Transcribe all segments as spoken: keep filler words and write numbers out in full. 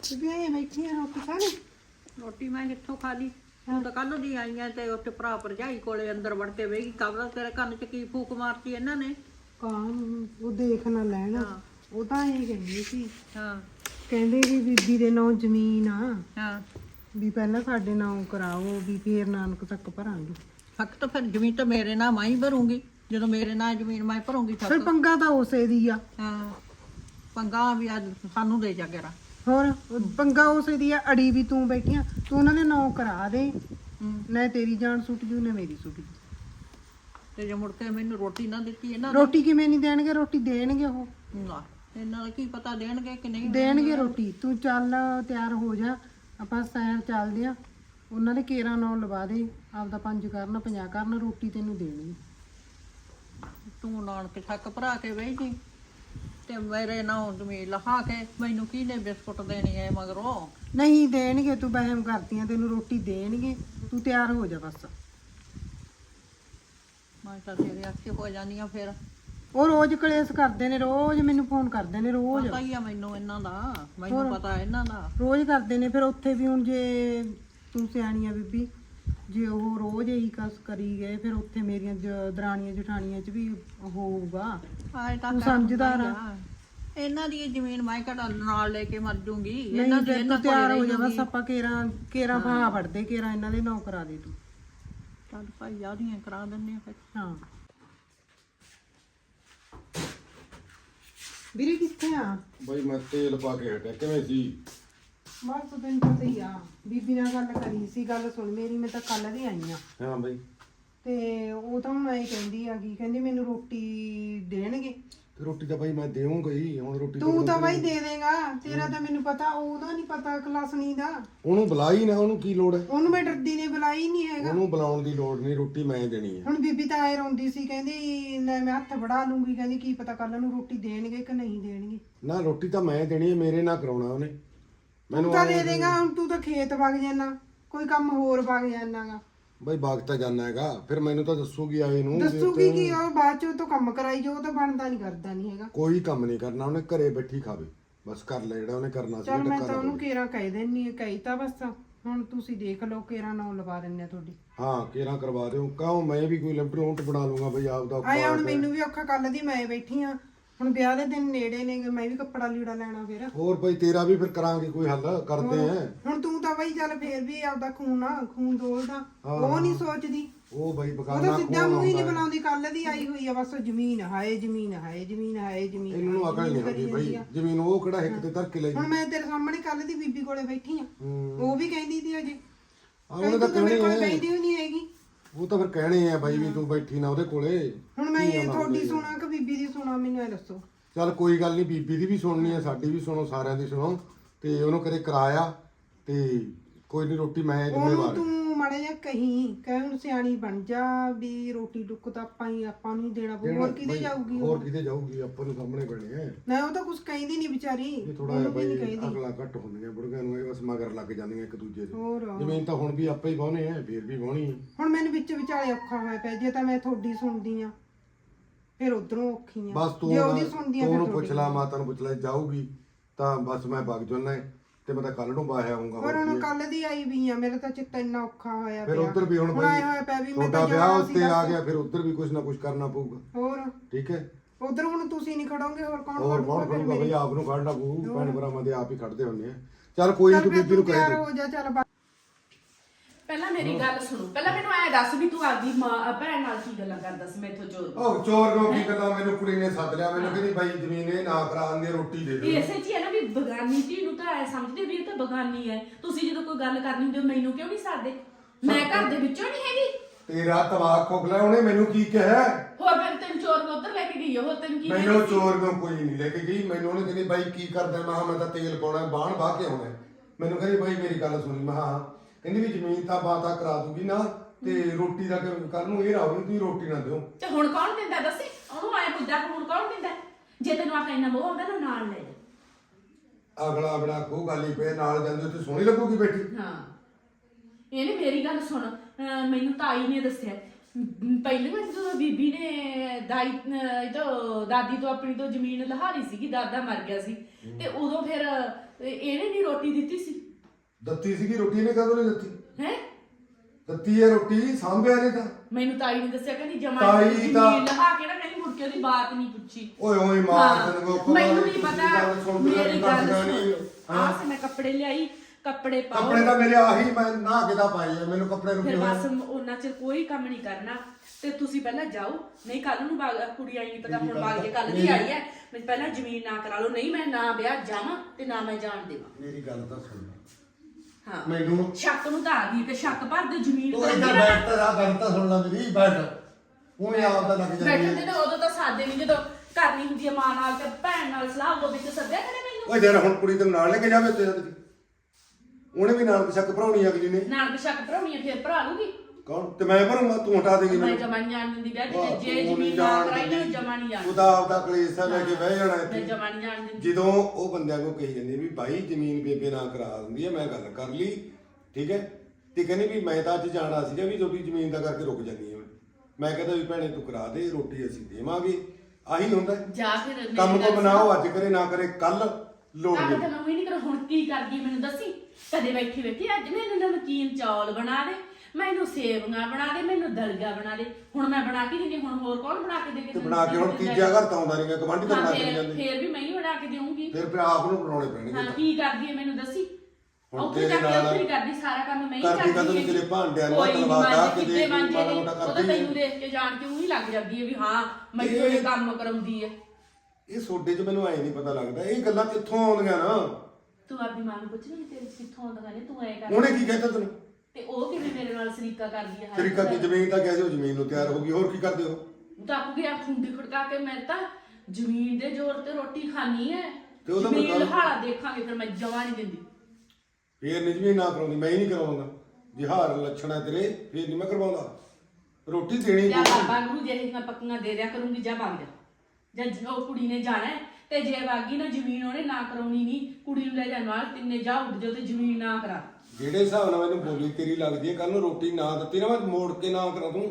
ਬੀਬੀ ਬੈਠੀ ਆ ਰੋਟੀ ਖਾ ਲਈ? ਰੋਟੀ ਮੈਂ ਕਿੱਥੋਂ ਖਾ ਲਈ? ਹੁਣ ਤਾਂ ਕੱਲ ਦੀ ਆਈਆਂ ਤੇ ਉੱਥੇ ਭਰਾ ਭਰਜਾਈ ਕੋਲੇ ਅੰਦਰ ਵੜ ਕੇ ਬਹਿ ਗਈ। ਕਬਰ ਤੇਰੇ ਕੰਨ 'ਚ ਕੀ ਫੂਕ ਮਾਰਤੀ ਇਹਨਾਂ ਨੇ? ਕਾਹਨੂੰ ਉਹ ਦੇਖ ਨਾ ਲੈਣ। ਹਾਂ। ਉਹ ਤਾਂ ਇਹ ਕਹਿੰਦੀ ਸੀ, ਹਾਂ ਕਹਿੰਦੇ ਵੀ ਬੀਬੀ ਦੇ ਨਾਂ ਜ਼ਮੀਨ ਆ, ਹਾਂ। ਵੀ ਪਹਿਲਾਂ ਸਾਡੇ ਨਾਂ ਕਰਾਓ ਵੀ ਫੇਰ ਨਾਨਕ ਤੱਕ ਭਰਾਂਗੇ। ਫੱਕ ਤਾਂ ਫਿਰ ਜ਼ਮੀਨ ਤਾਂ ਮੇਰੇ ਨਾਲ ਮੈਂ ਹੀ ਭਰੂੰਗੀ। ਜਦੋਂ ਮੇਰੇ ਨਾਲ ਜ਼ਮੀਨ ਮੈਂ ਭਰੂੰਗੀ ਫਿਰ ਫੱਕ। ਪੰਗਾ ਤਾਂ ਉਸੇ ਦੀ ਆ। ਹਾਂ ਪੰਗਾ ਵੀ ਅੱਜ ਸਾਨੂੰ ਦੇ ਜਾ ਕੇਰਾ। ਹੋਰ ਉਹ ਪੰਗਾ ਉਸੇ ਦੀ ਆ। ਅੜੀ ਵੀ ਤੂੰ ਬੈਠੀਆਂ, ਤੂੰ ਉਹਨਾਂ ਦੇ ਨਾਂ ਕਰਾ ਦੇ, ਨਾ ਤੇਰੀ ਜਾਨ ਸੁੱਟ ਜੂ ਨਾ ਮੇਰੀ ਸੁੱਟ ਜੂ। ਤੇ ਜੇ ਮੁੜ ਕੇ ਮੈਨੂੰ ਰੋਟੀ ਨਾ ਦਿੱਤੀ ਇਹਨਾਂ ਨੇ? ਰੋਟੀ ਕਿਵੇਂ ਨਹੀਂ ਦੇਣਗੇ? ਰੋਟੀ ਦੇਣਗੇ ਉਹ। ਨਾ ਇਹਨਾਂ ਦਾ ਕੀ ਪਤਾ ਦੇਣਗੇ ਕਿ ਨਹੀਂ ਦੇਣਗੇ ਰੋਟੀ। ਤੂੰ ਚੱਲ ਤਿਆਰ ਹੋ ਜਾ, ਆਪਾਂ ਸ਼ਹਿਰ ਚੱਲਦੇ ਆ। ਉਹਨਾਂ ਦੇ ਕੇਰਾਂ ਨਾਲ ਲਵਾ ਦੇ, ਆਪਦਾ ਪੰਜ ਕਰਨ ਪੰਜਾਹ ਕਰਨ, ਰੋਟੀ ਤੈਨੂੰ ਦੇਣੀ। ਤੂੰ ਨਾਨਕ ਛੱਕ ਭਰਾ ਕੇ ਬਹਿ ਜੀ ਤੇ ਮੇਰੇ ਨਾਲ ਜ਼ਮੀਨ ਲਹਾ ਕੇ ਮੈਨੂੰ ਕਿਹਨੇ ਬਿਸਕੁਟ ਦੇਣੀ ਹੈ ਮਗਰੋਂ? ਨਹੀਂ ਦੇਣਗੇ, ਤੂੰ ਵਹਿਮ ਕਰਦੀਆਂ, ਤੈਨੂੰ ਰੋਟੀ ਦੇਣਗੇ। ਤੂੰ ਤਿਆਰ ਹੋ ਜਾ ਬਸ। ਮੈਂ ਤਾਂ ਤੇਰੇ ਅੱਖੇ ਹੋ ਜਾਂਦੀ ਆ ਫਿਰ। ਉਹ ਰੋਜ਼ ਕਲੇਸ਼ ਕਰਦੇ ਨੇ, ਰੋਜ਼ ਮੈਨੂੰ ਫੋਨ ਕਰਦੇ ਨੇ, ਰੋਜ਼ ਪਤਾ ਹੀ ਆ ਮੈਨੂੰ ਇਹਨਾਂ ਦਾ, ਮੈਨੂੰ ਪਤਾ ਇਹਨਾਂ ਦਾ। ਰੋਜ਼ ਕਰਦੇ ਨੇ। ਫਿਰ ਉੱਥੇ ਵੀ ਹੁਣ ਜੇ ਤੂੰ ਸਿਆਣੀ ਆ ਬੀਬੀ, ਜੇ ਉਹ ਰੋਜ਼ ਇਹੀ ਕਸ ਕਰੀ ਗਏ, ਫਿਰ ਉੱਥੇ ਮੇਰੀਆਂ ਜ- ਦਰਾਣੀਆਂ ਜਠਾਣੀਆਂ 'ਚ ਵੀ ਹੋਊਗਾ। ਆਏ ਤਾਂ ਤੂੰ ਕਹਿ ਸਮਝਦਾਰ ਆ। ਹੁੰਦਾ ਹੀ ਆ। ਇਹਨਾਂ ਦੀ ਜ਼ਮੀਨ ਮੈਂ ਕਿਹੜਾ ਨਾਲ ਲੈ ਕੇ ਮਰ ਜੂੰਗੀ? ਨਹੀਂ ਇਹਨਾਂ ਦੀ ਫਿਰ ਇਹਨਾਂ ਤੂੰ ਤਿਆਰ ਕੋਲ ਹੋ ਰਹੀ ਜਾ ਬਸ। ਜੂੰਗੀ। ਆਪਾਂ ਕੇਰਾਂ ਕੇਰਾਂ ਫਾਹਾ ਵੜਦੇ, ਕੇਰਾਂ ਇਹਨਾਂ ਦੇ ਨਾਂ ਕਰਾ ਦੇ ਤੂੰ। ਚੱਲ ਭਾਈ ਯਾਰੀਆਂ ਕਰਾ ਦਿੰਨੇ ਆ ਫਿਰ। ਹਾਂ ਵੀਰੇ ਕਿੱਥੇ ਆ? ਬਈ ਮੈਂ ਤੇਲ ਪਾ ਕੇ ਹਟਿਆ। ਕਿਵੇਂ ਸੀ? ਬਸ ਤੈਨੂੰ ਪਤਾ ਹੀ ਆ, ਬੀਬੀ ਨਾਲ ਗੱਲ ਕਰੀ ਸੀ। ਗੱਲ ਸੁਣ ਮੇਰੀ, ਮੈਂ ਤਾਂ ਕੱਲ ਦੀ ਆਈ ਆ ਹਾਂ ਬਈ। ਤੇ ਉਹ ਤਾਂ ਹੁਣ ਐਂ ਕਹਿੰਦੀ ਆ ਕੀ ਕਹਿੰਦੀ ਮੈਨੂੰ ਰੋਟੀ ਦੇਣਗੇ। ਤੇ ਰੋਟੀ ਤਾਂ ਬਈ ਮੈਂ ਦੇਵਾਂਗਾ ਹੀ। ਹੁਣ ਰੋਟੀ ਤੂੰ ਤਾਂ ਬਾਈ ਦੇ ਦੇਗਾ, ਤੇਰਾ ਤਾਂ ਮੈਨੂੰ ਪਤਾ। ਉਹਦਾ ਨਹੀਂ ਪਤਾ ਕਲਾਸਣੀ ਦਾ। ਉਹਨੂੰ ਬੁਲਾਈ ਨਾ, ਉਹਨੂੰ ਕੀ ਲੋੜ ਹੈ? ਉਹਨੂੰ ਮੈਂ ਡਰਦੀ ਨੇ ਬੁਲਾਈ ਨਹੀਂ ਹੈਗਾ। ਉਹਨੂੰ ਬੁਲਾਉਣ ਦੀ ਲੋੜ ਨਹੀਂ, ਰੋਟੀ ਮੈਂ ਦੇਣੀ ਹੈ। ਹੁਣ ਬੀਬੀ ਤਾਂ ਐ ਰੋਂਦੀ ਸੀ, ਕਹਿੰਦੀ ਨਾ ਮੈਂ ਹੱਥ ਵੜਾ ਲੂੰਗੀ, ਕਹਿੰਦੀ ਕੀ ਪਤਾ ਕੱਲ ਨੂੰ ਰੋਟੀ ਦੇਣਗੇ ਕਿ ਨਹੀਂ ਦੇਣਗੇ। ਨਾ ਰੋਟੀ ਤਾਂ ਮੈਂ ਦੇਣੀ ਹੈ, ਮੇਰੇ ਨਾਲ ਕਰਾਉਣਾ ਉਹਨੇ। ਤੂੰ ਤਾਂ ਦੇ ਦੇਗਾ। ਹੁਣ ਤੂੰ ਤਾਂ ਖੇਤ ਵਗ ਜਾਣਾ, ਕੋਈ ਕੰਮ ਹੋਰ ਵਗ ਜਾਣਾਗਾ। ਬਈ ਬਾਗ ਤਾਂ ਜਾਣਾ ਹੈਗਾ, ਫਿਰ ਮੈਨੂੰ ਤਾਂ ਦੱਸੂਗੀ ਆਏ ਨੂੰ। ਦੱਸੂਗੀ ਕੀ? ਉਹ ਬਾਅਦ ਚ ਉਹ ਤੋਂ ਕੰਮ ਕਰਾਈ ਜੋ, ਉਹ ਤਾਂ ਬਣਦਾ ਨਹੀਂ ਕਰਦਾ ਨਹੀਂ ਹੈਗਾ। ਕੋਈ ਕੰਮ ਨਹੀਂ ਕਰਨਾ ਉਹਨੇ, ਘਰੇ ਬੈਠੀ ਖਾਵੇ ਬਸ। ਕਰ ਲੈ ਜਿਹੜਾ ਉਹਨੇ ਕਰਨਾ ਸੀ। ਚਲ ਮੈਂ ਤਾਂ ਉਹਨੂੰ ਕੇਰਾ ਕਹਿ ਦੇਣੀ, ਕਹੀ ਤਾਂ ਬਸ। ਹੁਣ ਤੁਸੀਂ ਦੇਖ ਲਓ, ਕੇਰਾ ਨਾ ਲਵਾ ਦਿੰਨੇ ਆ ਤੁਹਾਡੀ। ਹਾਂ ਕੇਰਾ ਕਰਵਾ ਦਿਓ। ਕਹੋ ਮੈਂ ਵੀ ਕੋਈ ਲਿਮਟ ਲੁਮਟ ਬਣਾ ਲੂੰਗਾ ਬਈ ਆਪਦਾ। ਆਇਆ ਹੁਣ ਮੈਨੂੰ ਵੀ ਔਖਾ, ਕੱਲ ਦੀ ਮੈਂ ਬੈਠੀ ਆ। ਹੁਣ ਵਿਆਹ ਦੇ ਦਿਨ ਨੇੜੇ ਨੇ, ਮੈਂ ਵੀ ਕੱਪੜਾ ਲੀੜਾ ਲੈਣਾ ਫਿਰ। ਹੋਰ ਬਈ ਤੇਰਾ ਵੀ ਫਿਰ ਕਰਾਂਗੇ ਕੋਈ ਹੱਲ, ਕਰਦੇ ਆ। ਹੁਣ ਤੂੰ ਤਾਂ ਬਈ ਚੱਲ ਫੇਰ ਵੀ ਆਪਦਾ ਖੂਨ ਆ, ਖੂਨ ਡੋਲਦਾ। ਉਹ ਨਹੀਂ ਸੋਚਦੀ, ਉਹ ਬਈ ਉਹ ਬਗਾਨਾ ਤਾਂ ਸਿੱਧਾ ਮੂੰਹ ਹੀ ਨਹੀਂ ਬਣਾਉਂਦੀ। ਕੱਲ ਦੀ ਆਈ ਹੋਈ ਆ ਬਸ। ਜ਼ਮੀਨ ਹਾਏ ਜ਼ਮੀਨ ਹਾਏ ਜ਼ਮੀਨ ਹਾਏ ਜ਼ਮੀਨ। ਇਹਨਾਂ ਨੂੰ ਅਕਲ ਨਹੀਂ ਹੁੰਦੀ ਬਈ। ਜ਼ਮੀਨ ਉਹ ਕਿਹੜਾ ਇੱਕ ਤੇ ਧਰ ਕੇ ਲਈ। ਹੁਣ ਮੈਂ ਤੇਰੇ ਸਾਹਮਣੇ ਕੱਲ ਦੀ ਬੀਬੀ ਕੋਲੇ ਬੈਠੀ ਆ, ਉਹ ਵੀ ਕਹਿੰਦੀ ਸੀ ਅਜੇ। ਉਹਨੇ ਤਾਂ ਕਹਿਣੀ ਹੈ, ਕਹਿੰਦੀ ਹੋਈ ਨਹੀਂ ਹੈਗੀ। ਉਹ ਤਾਂ ਫਿਰ ਕਹਿਣੇ ਆ ਬਾਈ ਵੀ ਤੂੰ ਬੈਠੀ ਨਾ ਉਹਦੇ ਕੋਲੇ। ਹੁਣ ਮੈਂ ਤੁਹਾਡੀ ਸੁਣਾ ਕਿ ਬੀਬੀ ਦੀ ਸੁਣਾ, ਮੈਨੂੰ ਇਹ ਦੱਸੋ। ਚੱਲ ਕੋਈ ਗੱਲ ਨਹੀਂ, ਬੀਬੀ ਦੀ ਵੀ ਸੁਣਨੀ ਆ, ਸਾਡੀ ਵੀ ਸੁਣੋ, ਸਾਰਿਆਂ ਦੀ ਸੁਣੋ। ਤੇ ਉਹਨੂੰ ਕਦੇ ਕਰਾਇਆ ਤੇ ਕੋਈ ਨਹੀਂ, ਰੋਟੀ ਮੈਂ ਉਹਨੂੰ ਜ਼ਿੰਮੇਵਾਰ। ਤੂੰ ਮਾੜਾ ਜਿਹਾ ਕਹੀਂ, ਕਹੇ ਹੁਣ ਸਿਆਣੀ ਬਣ ਜਾ ਵੀ ਰੋਟੀ ਟੁੱਕ ਤਾਂ ਆਪਾਂ ਹੀ ਆਪਾਂ ਨੂੰ ਹੀ ਦੇਣਾ ਪਊ। ਹੋਰ ਕਿਤੇ ਜਾਊਗੀ ਉਹ? ਹੋਰ ਕਿਤੇ ਜਾਊਗੀ? ਆਪਾਂ ਨੂੰ ਸਾਹਮਣੇ ਬਣੇ ਆ। ਨਾ ਉਹ ਤਾਂ ਕੁਝ ਕਹਿੰਦੀ ਨਹੀਂ ਵਿਚਾਰੀ। ਇਹ ਥੋੜਾ ਜਿਹਾ ਬਈ ਅਗਲਾ ਘੱਟ ਹੁੰਦੀਆਂ ਬੁੜੀਆਂ ਨੂੰ, ਇਹ ਬਸ ਮਗਰ ਲੱਗ ਜਾਂਦੀਆਂ ਇੱਕ ਦੂਜੇ ਦੇ। ਹੋਰ ਜ਼ਮੀਨ ਤਾਂ ਹੁਣ ਵੀ ਆਪੇ ਹੀ ਵਾਹੁਣੇ ਆ, ਫੇਰ ਵੀ ਵਾਹੁਣੀ ਆ। ਹੁਣ ਮੈਨੂੰ ਵਿੱਚ ਵਿਚਾਲੇ ਔਖਾ ਹੋਇਆ ਪਿਆ। ਜੇ ਤਾਂ ਮੈਂ ਤੁਹਾਡੀ ਸੁਣਦੀ ਆ, ਫਿਰ ਉਧਰੋਂ ਔਖੀ ਆ। ਬਸ ਤੂੰ ਜੇ ਉਹਦੀ ਸੁਣਦੀ ਆ, ਤੂੰ ਫਿਰ ਉਹਨੂੰ ਪੁੱਛ ਲੈ, ਮਾਤਾ ਨੂੰ ਪੁੱਛ ਲੈ। ਜਾਊਗੀ ਤਾਂ ਬਸ ਮੈਂ ਵਗ ਜਾਣਾ ਤੇ ਮੈਂ ਤਾਂ ਕੱਲ ਨੂੰ ਬਾਹਿਆ ਆਉਂਗਾ। ਪਰ ਹੁਣ ਕੱਲ ਦੀ ਆਈ ਵੀ ਆ, ਮੇਰਾ ਤਾਂ ਚਿੱਤ ਇੰਨਾ ਔਖਾ ਹੋਇਆ ਫਿਰ ਪਿਆ। ਉੱਧਰ ਵੀ ਹੁਣ ਹੁਣ ਆਇਆ ਹੋਇਆ ਪਿਆ ਵੀ ਮੈਂ ਤੁਹਾਡਾ ਤਾਂ ਵਿਆਹ ਜਾਣਾ ਸੀ ਉੱਤੇ ਆ ਬਸ। ਗਿਆ, ਫਿਰ ਉੱਧਰ ਵੀ ਕੁਝ ਨਾ ਕੁਝ ਕਰਨਾ ਪਊਗਾ। ਹੋਰ ਠੀਕ ਹੈ। ਉਧਰ ਹੁਣ ਤੁਸੀਂ ਨਹੀਂ ਖੜੋਗੇ, ਹੋਰ ਕੌਣ ਹੋਰ ਖੜੂਗਾ? ਕੌਣ ਖੜੂਗਾ ਬਈ? ਆਪ ਨੂੰ ਖੜਨਾ ਪਊ। ਭੈਣ ਭਰਾਵਾਂ ਦੇ ਆਪ ਹੀ ਖੜਦੇ ਹੁੰਦੇ ਆ। ਚੱਲ ਕੋਈ ਨਹੀਂ, ਤੂੰ ਬੀਬੀ ਨੂੰ ਕਹਿ ਤਿਆਰ ਦੇ। ਹੋ ਜਾ। ਚੱਲ ਬਾ- ਪਹਿਲਾਂ ਮੇਰੀ ਗੱਲ ਸੁਣੋ। ਪਹਿਲਾਂ ਮੈਨੂੰ ਐ ਦੱਸ ਵੀ ਤੂੰ ਆਪਦੀ ਮਾਂ ਭੈਣ ਨਾਲ ਕੀ ਗੱਲਾਂ ਕਰਦਾ ਸੀ ਮੈਥੋਂ ਜੋ ਉਹ ਚੋਰ ਨੂੰ ਕੀ ਗੱਲਾਂ? ਮੈਨੂੰ ਕੁੜੀ ਨੇ ਸੱਦ ਲਿਆ, ਮੈਨੂੰ ਕਹਿੰਦੀ ਬਾਈ ਜ਼ਮੀਨ ਇਹ ਨਾ ਕਰਾਉਣ ਦੀ, ਰੋਟੀ ਦੇ ਦੇ। ਇਸੇ ਚ ਹੀ ਹੈ ਨਾ ਵੀ ਬਗਾਨੀ ਧੀ ਨੂੰ ਤਾਂ ਐ ਸਮਝਦੇ ਵੀ ਇਹ ਤਾਂ ਬਗਾਨੀ ਹੈ। ਤੁਸੀਂ ਜਦੋਂ ਕੋਈ ਗੱਲ ਕਰਨੀ ਹੁੰਦੀ ਮੈਨੂੰ ਕਿਉਂ ਨਹੀਂ ਸਾਦੇ? ਮੈਂ ਘਰ ਦੇ ਵਿੱਚੋਂ ਨਹੀਂ ਹੈਗੀ। ਤੇਰਾ ਤਵਾਕ ਖੋਖਲਾ, ਉਹਨੇ ਮੈਨੂੰ ਕੀ ਕਿਹਾ? ਹੋਰ ਫਿਰ ਤੈਨੂੰ ਚੋਰ ਨੂੰ ਉੱਧਰ ਲੈ ਕੇ ਗਈ ਹੋਰ ਤੈਨੂੰ ਕੀ ਮੈਨੂੰ ਚੋਰ ਨੂੰ ਕੋਈ ਨਹੀਂ ਲੈ ਕੇ ਗਈ। ਮੈਨੂੰ ਉਹਨੇ ਕਹਿੰਦੀ ਬਾਈ ਕੀ ਕਰਦਾ? ਮੈਂ ਕਿਹਾ ਮੈਂ ਤਾਂ ਤੇਲ ਪਾਉਣਾ, ਬਾਣ ਬਾਹ ਕੇ ਆਉਣਾ। ਮੈਨੂੰ ਕਹਿੰਦੀ ਬਾਈ ਮੇਰੀ ਗੱਲ ਸੁਣੀ। ਮੈਂ ਹਾਂ। ਕਹਿੰਦੀ ਵੀ ਜ਼ਮੀਨ ਤਾਂ ਬਾਤਾ ਕਰਾ ਦੂਗੀ ਨਾ, ਤੇ ਰੋਟੀ ਦਾ ਕੱਲ ਨੂੰ ਇਹ ਰਾਉ ਤੁਸੀਂ ਰੋਟੀ ਨਾ ਦਿਓ। ਤੇ ਹੁਣ ਕੌਣ ਦਿੰਦਾ ਦੱਸੀ? ਉਹਨੂੰ ਐ ਪੁੱਛਦਾ ਕਿ ਹੁਣ ਕੌਣ ਦਿੰਦਾ? ਜੇ ਤੈਨੂੰ ਆਖਾ ਇੰਨਾ ਮੋਹ ਆਉਂਦਾ ਨਾ ਨਾਲ ਲੈ ਜਾ। ਅਗਲਾ ਅਗਲਾ ਖੂਹ ਗਾਲੀ ਪਏ ਨਾਲ ਜਾਂਦੇ ਉੱਥੇ ਸੋਹਣੀ ਲੱਗੂਗੀ ਬੈਠੀ। ਹਾਂ ਇਹਨੇ ਮੇਰੀ ਗੱਲ ਸੁਣ। ਮੈਨੂੰ ਤਾਈ ਨੇ ਦੱਸਿਆ ਮ, ਪਹਿਲੀ ਵਾਰ ਜਦੋਂ ਬੀਬੀ ਨੇ ਦਾਈ ਅਹ, ਇਹ ਤੋਂ ਦਾਦੀ ਤੋਂ ਆਪਣੀ ਤੋਂ ਜ਼ਮੀਨ ਲਹਾਰੀ ਸੀਗੀ, ਦਾਦਾ ਮਰ ਗਿਆ ਸੀ ਤੇ ਉਦੋਂ ਫਿਰ ਅਹ, ਇਹਨੇ ਨਹੀਂ ਰੋਟੀ ਦਿੱਤੀ ਸੀ ਦਿੱਤੀ ਸੀਗੀ ਰੋਟੀ ਨੇ ਕਦੋਂ ਨਹੀਂ ਦਿੱਤੀ ਹੈ। ਦਿੱਤੀ ਹੈ ਰੋਟੀ ਸਾਂਭਿਆ ਨੇ ਤਾਂ ਮੈਨੂੰ ਤਾਈ ਨੇ ਦੱਸਿਆ ਕਹਿੰਦੀ ਜਮਾ ਤਾਈ ਜ਼ਮੀਨ ਤਾਂ- ਲਹਾ ਕੇ ਨਾ ਕਹਿੰਦੀ ਮੁੜ ਕੇ ਉਹਦੀ ਬਾਤ ਨਹੀਂ ਪੁੱਛੀ। ਓਏ ਓਏ ਮਾਰ ਹਾਂ, ਦੇਣਗੇ ਉੱਪਰ ਮੈਨੂੰ ਵਾਲੇ, ਨਹੀਂ ਤੁਸੀਂ ਪਤਾ ਗੱਲ ਸੁਣਦੇ ਮੇਰੀ ਗੱਲ ਨਹੀਂ। ਸੁਣ ਆਹ ਸੇ ਮੈਂ ਕੱਪੜੇ ਲਿਆਈ, ਕੱਪੜੇ ਪਾਓ ਕੱਪੜੇ ਤਾਂ ਮੇਰੇ ਆਹੀ ਮੈਂ ਨਾ ਕਿਦਾ ਪਾਈ ਆ, ਮੈਨੂੰ ਕੱਪੜੇ ਨੂੰ ਫਿਰ ਕੀ ਹੋਇਆ? ਬਸ ਉਹਨਾਂ ਚਿਰ ਕੋਈ ਕੰਮ ਨਹੀਂ ਕਰਨਾ ਤੇ ਤੁਸੀਂ ਪਹਿਲਾਂ ਜਾਓ, ਨਹੀਂ ਕੱਲ ਨੂੰ ਬਾਗ ਕੁੜੀ ਆਈ ਨਹੀਂ ਪਤਾ ਹੁਣ ਬਾਗ ਜੇ ਕੱਲ ਦੀ ਆਈ ਹੈ, ਮੈਂ ਪਹਿਲਾਂ ਜ਼ਮੀਨ ਨਾ ਕਰਾ ਲਓ, ਨਹੀਂ ਮੈਂ ਨਾ ਵਿਆਹ ਜਾਵਾਂ ਤੇ ਨਾ ਮੈਂ ਜਾਣ ਦੇਵਾਂ। ਮੇਰੀ ਗੱਲ ਤਾਂ ਸੁਣ ਲੈ। ਹਾਂ ਮੈਨੂੰ ਸ਼ੱਕ ਨੂੰ ਤਾਂ ਆ ਗਈ ਤੇ ਸ਼ੱਕ ਭਰ ਦੇ ਜ਼ਮੀਨ ਤੂੰ ਤੇ ਇੱਧਰ ਬੈਠ ਤਾਂ ਗੱਲ ਤਾਂ ਸੁਣ ਲੈ ਮੇਰੀ, ਬੈਠ ਉਹ ਆਪ ਤਾਂ ਲੱਗ ਜਾਂਦੀ ਬੈਠਣ ਦੇ ਹੈ। ਤਾਂ ਉਦੋਂ ਤਾਂ ਸਾਦੇ ਨਹੀਂ, ਜਦੋਂ ਕਰਨੀ ਹੁੰਦੀ ਹੈ ਮਾਂ ਨਾਲ ਤੇ ਭੈਣ ਨਾਲ ਸਲਾਹ ਉਦੋਂ ਵਿੱਚ ਸੱਦਿਆ ਕਰੇ ਮੈਨੂੰ। ਓਏ ਜਰਾ ਹੁਣ ਕੁੜੀ ਤੈਨੂੰ ਨਾਲ ਲੈ ਕੇ ਜਾਵੇ ਤੇ ਉਹਨੇ ਵੀ ਨਾਲ ਸ਼ੱਕ ਭਰਾਉਣੀ ਅਗਲੀ ਨੇ। ਨਾਲ ਸ਼ੱਕ ਭਰਾਉਣੀ ਹੈ ਫਿਰ ਭਰਾ ਲੂਗੀ। ਕੌਣ ਤੇ ਮੈਂ ਭਰੂੰਗਾ, ਤੂੰ ਹਟਾ ਦੇਗੀ ਮੈਂ ਮੈਨੂੰ। ਜਮਾ ਨਹੀਂ ਜਾਣ ਦਿੰਦੀ ਵਿਆਹ ਵਾਹ, ਜੇ ਜੇ ਤੂੰ ਨੀ ਜ਼ਮੀਨ ਨਾ ਜਾਣ ਕਰਾਈ ਨਾ ਦਿੰਦੀ। ਜਮਾ ਨਹੀਂ ਜਾਣ ਉਹਦਾ ਆਪਦਾ ਕਲੇਸ਼ਾ ਲੈ ਕੇ ਬਹਿ ਜਾਣਾ ਮੈਂ ਇੱਥੇ। ਜਮਾ ਨਹੀਂ ਜਾਣ ਦਿੰਦੀ। ਜਦੋਂ ਉਹ ਬੰਦਿਆਂ ਨੂੰ ਕਹੀ ਜਾਂਦੀ ਵੀ ਭਾਈ ਜ਼ਮੀਨ ਬੇਬੇ ਨਾਲ ਕਰਾ ਦਿੰਦੀ ਹੈ, ਮੈਂ ਗੱਲ ਕਰ ਲਈ ਠੀਕ ਹੈ, ਤੇ ਕਹਿੰਦੀ ਵੀ ਮੈਂ ਤਾਂ ਅੱਜ ਜਾਣਾ ਸੀਗਾ ਵੀ ਤੁਹਾਡੀ ਜ਼ਮੀਨ ਦਾ ਕਰਕੇ ਰੁਕ ਜਾਂਦੀ ਹੈ। ਮੈਂ ਕਹਿੰਦਾ ਵੀ ਭੈਣੇ ਤੂੰ ਕਰਾ ਦੇ, ਰੋਟੀ ਅਸੀਂ ਦੇਵਾਂਗੇ, ਆਹੀ ਹੁੰਦਾ ਹੈ। ਜਾਂ ਫਿਰ ਮੇਰੀ ਕੰਮ ਗੱਲ ਕੋ ਬਣਾਓ, ਅੱਜ ਕਰੇ ਨਾ ਕਰੇ ਕੱਲ ਲੋੜ ਕੰਮ ਨਹੀਂ। ਤਾਂ ਮੈਂ ਵੀ ਨਹੀਂ ਕਰ, ਹੁਣ ਕੀ ਕਰਦੀ ਹੈ ਮੈਨੂੰ ਦੱਸੀ। ਕਦੇ ਬੈਠੀ ਬੈਠੀ ਅੱਜ ਮੈਨੂੰ ਨਮਕੀਨ ਚੌਲ ਬਣਾ ਦੇ, ਮੈਨੂੰ ਸੇਵੀਆਂ ਬਣਾ ਦੇ, ਮੈਨੂੰ ਦਲਗਾ ਬਣਾ ਦੇ। ਹੁਣ ਮੈਂ ਬਣਾ ਕੇ ਦਿੰਦੀ, ਹੁਣ ਹੋਰ ਕੌਣ ਬਣਾ ਕੇ ਦੇ ਕੇ ਤੇ ਬਣਾ ਕੇ ਹੁਣ ਤੀਜਾ ਘਰ ਤਾਂ ਆਉਂਦਾ ਨਹੀਂਗਾ, ਕਮਾਂਡੀ ਤਾਂ ਹਾਂ, ਬਣਾ ਕੇ ਫਿਰ- ਨਹੀਂ ਜਾਂਦੇ। ਫਿਰ ਵੀ ਮੈਂ ਹੀ ਬਣਾ ਕੇ ਦੇਵਾਂਗੀ। ਫਿਰ ਫਿਰ ਆਪ ਨੂੰ ਬਣਾਉਣੇ ਹਾਂ ਪੈਣਗੇ। ਕੀ ਕਰਦੀ ਹੈ ਮੈਨੂੰ ਦੱਸੀ। ਹੁਣ ਉੱਥੇ ਤੇਰੇ ਜਾ ਕੇ ਨਾਲ ਉੱਥੇ ਹੀ ਕਰਦੀ ਸਾਰਾ ਕੰਮ ਮੈਂ ਹੀ ਕਰਦੀ ਕਰਦੀ ਕਦੋਂ ਹੈਗੀ। ਤੇਰੇ ਭਾਂਡਿਆਂ ਨੂੰ ਕੋਈ ਹੱਥ ਨੀ ਲਵਾ ਤਾ ਮਾਂਜਦੀ, ਕਿਤੇ ਕਿਤੇ ਮਾਂਜੇ ਮਾੜਾ ਨੇ, ਮੋਟਾ ਉਹ ਤਾਂ ਕਰਦੀ ਹੈ। ਤੈਨੂੰ ਦੇਖ ਕੇ ਜਾਣ ਕੇ ਉਹੀ ਲੱਗ ਜਾਂਦੀ ਹੈ ਵੀ ਹਾਂ ਮੈਨੂੰ ਇਹ- ਇਹ ਕੰਮ ਕਰਾਉਂਦੀ ਹੈ। ਇਹ ਸੋਡੇ 'ਚ ਮੈਨੂੰ ਐ ਨਹੀਂ ਪਤਾ ਲੱਗਦਾ ਇਹ ਗੱਲਾਂ ਕਿੱਥੋਂ ਆਉਂਦੀਆਂ ਨਾ। ਤੂੰ ਆਪਣੀ ਮਾਂ ਨੂੰ ਪੁੱਛ ਲਈ ਤੇਰੀ ਕਿੱਥੋਂ ਆਉਂਦਾ ਨੇ, ਤੂੰ ਐ ਕਰ ਉਹਨੇ ਕੀ ਕਹਿਤਾ ਤੈਨੂੰ? ਤੇ ਉਹ ਕਿਵੇਂ ਮੇਰੇ ਨਾਲ ਸਰੀਕਾ ਕਰਦੀ ਹੈ। ਹਰ ਤਰੀਕਾ ਕੀ ਗੱਲ। ਜ਼ਮੀਨ ਤਾਂ ਕਹਿ ਦਿਓ ਜ਼ਮੀਨ ਨੂੰ ਤਿਆਰ ਹੋ ਗਈ, ਹੋਰ ਕੀ ਕਰਦੇ ਹੋ? ਟੱਪ ਗਿਆ ਖੁੰਡੀ ਖੜਕਾ ਕੇ, ਮੈਂ ਤਾਂ ਜ਼ਮੀਨ ਦੇ ਜ਼ੋਰ ਤੇ ਰੋਟੀ ਖਾਣੀ ਹੈ। ਤੇ ਉਹਦਾ ਜ਼ਮੀਨ ਮਤਲਬ- ਲਹਾੜਾ ਦੇਖਾਂਗੇ ਫਿਰ ਮੈਂ ਜਮਾ ਨਹੀਂ ਦਿੰਦੀ। ਫੇਰ ਨਹੀਂ ਜ਼ਮੀਨ ਨਾ ਕਰਾਉਂਦੀ, ਮੈਂ ਹੀ ਨਹੀਂ ਕਰਵਾਉਂਦਾ। ਜੇ ਹਾਰ ਲੱਛਣ ਹੈ ਤੇਰੇ ਫੇਰ ਨਹੀਂ ਮੈਂ ਕਰਵਾਉਂਦਾ। ਰੋਟੀ ਦੇਣੀ ਜਾਂ ਪਊਗੀ। ਬਾਬਾ ਗੁਰੂ ਜਿਹੇ ਮੈਂ ਪੱਕੀਆਂ ਦੇ ਦਿਆ ਕਰੂੰਗੀ, ਜਾ ਵਗ ਜਾ। ਜਾਂ ਜ- ਉਹ ਕੁੜੀ ਨੇ ਜਾਣਾ ਹੈ, ਤੇ ਜੇ ਬਾਗੀ ਨਾ ਜ਼ਮੀਨ ਉਹਨੇ ਨਾ ਕਰਾਉਣੀ ਨਹੀਂ, ਕੁੜੀ ਨੂੰ ਲੈ ਜਾ ਨਾਲ, ਤਿੰਨੇ ਜਾ ਉੱਡ ਜਾਓ ਤੇ ਜ਼ਮੀਨ ਨਾ ਕਰਾ। ਜਿਹੜੇ ਹਿਸਾਬ ਨਾਲ ਮੈਨੂੰ ਬੋਲੀ ਤੇਰੀ ਲੱਗਦੀ ਹੈ, ਕੱਲ ਨੂੰ ਰੋਟੀ ਨਾ ਦਿੱਤੀ ਨਾ ਮੈਂ ਮੋੜ ਕੇ ਨਾ ਕਰਾ ਦੂੰ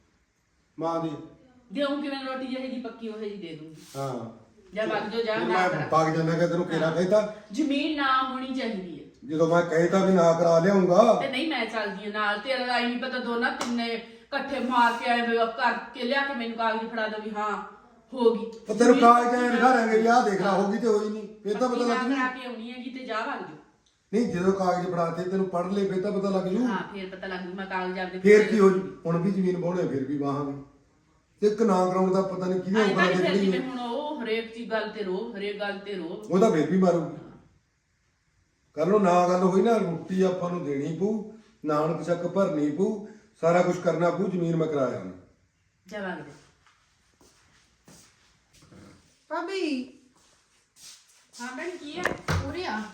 ਮਾਂ ਦੀ। ਦੇਉਂ ਕਿਵੇਂ ਰੋਟੀ ਜਿਹੇ ਦੀ ਪੱਕੀ ਉਹ ਜਿਹੀ ਦੇ ਦੂੰਗੀ। ਹਾਂ ਜਾਂ ਵਗ ਜਾਓ, ਜਾ ਫਿਰ ਨਾ ਮੈਂ ਕਰਾ। ਪੱਕ ਜਾਂਦਾ ਕਿ ਤੈਨੂੰ ਕਿਹੜਾ ਕਹਿਤਾ। ਜ਼ਮੀਨ ਨਾ ਹੋਣੀ ਚਾਹੀਦੀ ਹੈ। ਜਦੋਂ ਮੈਂ ਕਹਿਤਾ ਵੀ ਨਾ ਕਰਾ ਲਿਆਉਂਗਾ ਤੇ ਨਹੀਂ ਮੈਂ ਚੱਲਦੀ ਹਾਂ ਨਾਲ, ਤੇਰਾ ਰਾਈ ਨਹੀਂ ਪਤਾ, ਦੋਨਾਂ ਤਿੰਨੇ ਇਕੱਠੇ ਮਾਰ ਕੇ ਆਏ ਵੇ ਕਰਕੇ ਲਿਆ ਕੇ ਮੈਨੂੰ ਕਾਗਜ਼ ਫੜਾ ਦੋ ਵੀ ਹਾਂ ਹੋ ਗਈ। ਉਹ ਤੈਨੂੰ ਕਾਗਜ਼ ਐਂ ਦਿਖਾਵਾਂਗੇ ਵੀ ਆਹ ਦੇਖ ਲਾ ਹੋ ਗਈ ਤੇ ਹੋਈ ਨਹੀਂ, ਫੇਰ ਤਾਂ ਪਤਾ ਲੱਗ ਕਰਾ ਜੂ। ਕੇ ਆਉਣੀ ਹੈਗੀ ਤੇ ਜਾ ਵਗ ਜਾਓ। ਨਹੀਂ ਜਦੋਂ ਕਾਗਜ਼ ਫੜਾਤੇ ਤੈਨੂੰ ਪੜ੍ਹ ਲੈ ਫੇਰ ਤਾਂ ਪਤਾ ਲੱਗ ਜੂ। ਹਾਂ ਫੇਰ ਪਤਾ ਲੱਗ ਜੂ ਮੈਂ ਕਾਗਜ਼ ਆਪਦੇ ਫੇਰ ਕੀ ਹੋ ਜੂ? ਹੁਣ ਵੀ ਜ਼ਮੀਨ ਬਾਉਣੇ ਫਿਰ ਵੀ ਵਾਹਾਂਗੇ ਤੇ ਇੱਕ ਨਾ ਕਰਾਉਣ ਦਾ ਪਤਾ ਨਹੀਂ ਕਿਹਦੇ ਆਈ ਉਂਗਲਾਂ ਤਾਂ ਤੇ ਨਹੀਂ ਕਿਹੜੀ ਫਿਰ ਹੈ। ਹੁਣ ਉਹ ਹਰੇਕ ਚੀਜ਼ ਗੱਲ ਤੇ ਰੋ, ਹਰੇਕ ਗੱਲ ਤੇ ਰੋ। ਉਹ ਤਾਂ ਫੇਰ ਵੀ ਮਾਰੂਗੀ। ਕੱਲ ਨੂੰ ਨਾ ਗੱਲ ਹੋਈ ਨਾ, ਰੋਟੀ ਆਪਾਂ ਨੂੰ ਦੇਣੀ ਪਊ, ਨਾਨਕ ਛੱਕ ਭਰਨੀ ਪਊ, ਸਾਰਾ ਕੁਝ ਕਰਨਾ ਪਊ। ਜ਼ਮੀਨ ਮੈਂ ਕਰਾਇਆ ਉਹਨੇ। ਜਾ ਵਗ ਜਾ। ਭਾਬੀ ਹਾਂ ਭੈਣ ਕੀ ਹੈ? ਉਰੇ ਆ,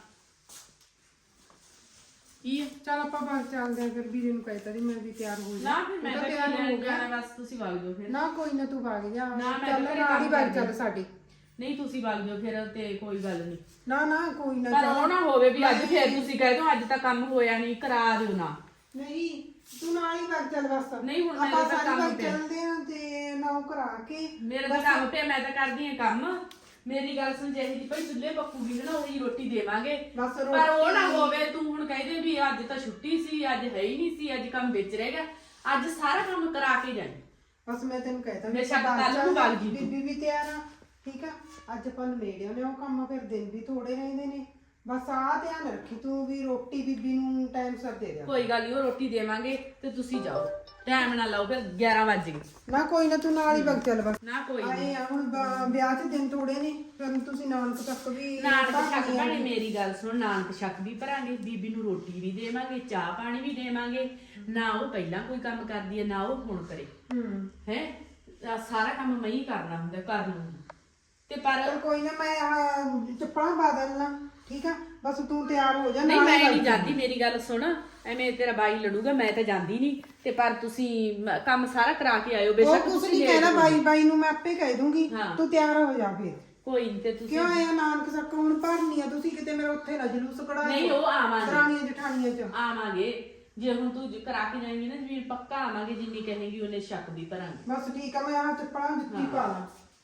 ਕੀ ਹੈ? ਚੱਲ ਆਪਾਂ ਬਾਹਰ ਚੱਲਦੇ ਆਂ। ਫਿਰ ਵੀਰੇ ਨੂੰ ਕਹਿਤਾ ਸੀ ਮੈਂ ਵੀ ਤਿਆਰ ਹੋ ਜਾ। ਨਾ ਫਿਰ ਮੈਂ ਉਹ ਤਾਂ ਤਿਆਰ ਹੋ ਗਿਆ। ਜਾਣਾ, ਬਸ ਤੁਸੀਂ ਵਗ ਜਾਓ ਫਿਰ। ਨਾ ਕੋਈ ਨਾ ਤੂੰ ਭਾਗ ਜਾ। ਨਾ, ਮੈਂ ਚੱਲ ਤਾਂ ਘਰੇ ਨਾਲ ਹੀ ਕੰਮ ਬਾਹਰ ਕਰਦੀ ਚੱਲ ਸਾਡੇ। ਨਹੀਂ ਤੁਸੀਂ ਵਗ ਜਾਓ ਫਿਰ ਤੇ ਕੋਈ ਗੱਲ ਨਹੀਂ। ਨਾ ਨਾ ਕੋਈ ਨਾ ਪਰ ਉਹ ਨਾ ਹੋਵੇ ਵੀ ਅੱਜ ਨਹੀਂ। ਫਿਰ ਤੁਸੀਂ ਕਹਿ ਦਿਓ ਅੱਜ ਤਾਂ ਕੰਮ ਹੋਇਆ ਨਹੀਂ, ਕਰਾ ਦਿਓ ਨਾ। ਨਹੀਂ ਤੂੰ ਨਾਲ ਹੀ ਬਾਹਰ ਚੱਲ ਬਸ। ਨਹੀਂ, ਹੁਣ ਮੇਰੇ ਆਪਾਂ ਤਾਂ ਸਾਰੇ ਕੰਮ ਬਾਹਰ ਪਿਆ। ਚੱਲਦੇ ਆਂ ਤੇ ਨਾ ਉਹ ਕਰਾ ਕੇ ਮੇਰੇ ਤਾਂ ਕੰਮ ਤੇ ਮੈਂ ਤਾਂ ਕਰਦੀ ਹਾਂ ਕੰਮ। ਮੇਰੀ ਗੱਲ ਸੁਣ, ਜਿਹੀ ਦੀ ਭਾਈ ਚੁੱਲ੍ਹੇ ਪੱਕੂਗੀ ਨਾ ਉਹੀ ਰੋਟੀ ਦੇਵਾਂਗੇ। ਬਸ ਪਰ ਉਹ ਨਾ ਰੋਟੀ- ਹੋਵੇ ਤੂੰ ਹੁਣ ਕਹਿੰਦੇ ਵੀ ਅੱਜ ਤਾਂ ਛੁੱਟੀ ਸੀ, ਅੱਜ ਹੈ ਹੀ ਨਹੀਂ ਸੀ, ਅੱਜ ਕੰਮ ਵਿੱਚ ਰਹਿ ਗਿਆ। ਅੱਜ ਸਾਰਾ ਕੰਮ ਕਰਾ ਕੇ ਜਾਈਂ। ਬਸ ਮੈਂ ਤੈਨੂੰ ਕਹਿਤਾ ਬੇਸ਼ੱਕ ਕੱਲ੍ਹ ਨੂੰ ਵਗ ਜੀ ਤੂੰ। ਬੀਬੀ ਵੀ ਤਿਆਰ ਆ, ਠੀਕ ਆ। ਅੱਜ ਆਪਾਂ ਨੇੜਿਆਂ ਨੇ ਉਹ ਕੰਮ, ਫਿਰ ਦਿਨ ਵੀ ਥੋੜੇ ਰਹਿੰਦੇ ਨੇ। ਬਸ ਆ ਧਿਆਨ ਰੱਖੀ ਤੂੰ ਵੀ ਰੋਟੀ ਬੀਬੀ ਨੂੰ ਟਾਈਮ ਸਿਰ ਦੇ ਦੇ। ਕੋਈ ਗੱਲ ਨਹੀਂ, ਉਹ ਰੋਟੀ ਦੇਵਾਂਗੇ ਤੇ ਤੁਸੀਂ ਜਾਓ, ਟਾਈਮ ਨਾ ਲਾਓ, ਫਿਰ ਗਿਆਰਾਂ ਵੱਜ ਗਏ। ਨਾ ਕੋਈ ਨਾ ਤੂੰ ਨਾਲ ਹੀ ਵਗ ਚੱਲ ਬਸ। ਨਾ ਕੋਈ ਨੀ। ਆਏ ਆ ਹੁਣ ਬ- ਵਿਆਹ 'ਚ ਦਿਨ ਥੋੜੇ ਨੇ, ਫਿਰ ਤੁਸੀਂ ਨਾਨਕ ਤੱਕ ਵੀ ਨਾਨਕ ਛੱਕ ਭਰਨੀ ਆ। ਭੈਣੇ ਮੇਰੀ ਗੱਲ ਸੁਣ, ਨਾਨਕ ਛੱਕ ਵੀ ਭਰਾਂਗੇ, ਬੀਬੀ ਨੂੰ ਰੋਟੀ ਵੀ ਦੇਵਾਂਗੇ, ਚਾਹ ਪਾਣੀ ਵੀ ਦੇਵਾਂਗੇ। ਨਾ ਉਹ ਪਹਿਲਾਂ ਕੋਈ ਕੰਮ ਕਰਦੀ ਹੈ ਨਾ ਉਹ ਹੁਣ ਕਰੇ ਹੂੰ ਹੈ। ਸਾਰਾ ਕੰਮ ਮੈਂ ਹੀ ਕਰਨਾ ਹੁੰਦਾ, ਕਰ ਲੂੰਗੀ ਤੇ ਪਰ ਚਲ ਕੋਈ ਨਾ, ਮੈਂ ਆਹ ਚੱਪਲਾਂ ਪਾ ਦੇਣਾ, ਠੀਕ ਆ। ਬਸ ਤੂੰ ਤਿਆਰ ਹੋ ਜਾ। ਨਹੀਂ ਨਾਲ ਹੀ ਮੈਂ ਵਗ ਨਹੀਂ ਜੀ। ਜਾਂਦੀ, ਮੇਰੀ ਗੱਲ ਸੁਣ, ਐਵੇਂ ਤੇਰਾ ਬਾਈ ਲੜੂਗਾ, ਮੈਂ ਤਾਂ ਜਾਂਦੀ ਨਹੀਂ। ਤੇ ਪਰ ਤੁਸੀਂ ਮ- ਕੰਮ ਸਾਰਾ ਕਰਾ ਕੇ ਆਇਓ, ਉਹ ਬੇਸ਼ੱਕ ਕੁਛ ਤੁਸੀਂ ਨਹੀਂ late ਕਹਿਣਾ, ਹੋ। ਬਾਈ ਬਾਈ ਨੂੰ ਮੈਂ ਆਪੇ ਕਹਿ ਦੂੰਗੀ। ਹਾਂ। ਤੂੰ ਤਿਆਰ ਹੋ ਜਾ ਫਿਰ। ਕੋਈ ਨਹੀਂ ਤੇ ਤੁਸੀਂ ਕਿਉਂ ਆਇਆ ਨਾਨਕ ਸੱਕ ਹੁਣ ਭਰਨੀ ਆ, ਤੁਸੀਂ ਕਿਤੇ ਮੇਰਾ ਉੱਥੇ ਨਾ ਜਲੂਸ ਕਢਾਇਓ। ਨਹੀਂ ਉਹ ਆਵਾਂਗੇ ਦਰਾਣੀਆਂ ਜਠਾਣੀਆਂ 'ਚ। ਆਵਾਂਗੇ ਜੇ ਹੁਣ ਤੂੰ ਜ- ਕਰਾ ਕੇ ਜਾਏਂਗੀ ਨਾ ਜ਼ਮੀਨ ਪੱਕਾ ਆਵਾਂਗੇ, ਜਿੰਨੀ ਕਹੇਗੀ ਉਹਨੇ ਸ਼ੱਕ ਦੀ ਭਰਾਂਗੇ। ਬਸ ਠੀਕ ਆ, ਮੈਂ ਆ ਚੱਪਲਾਂ ਜੁੱਤੀ ਪਾ ਲਾਂ।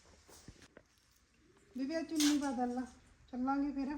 ਬੀਬੀ ਆ ਚੁੰਨੀ ਬਦਲ ਲਾ, ਚੱਲਾਂਗੇ ਫਿਰ।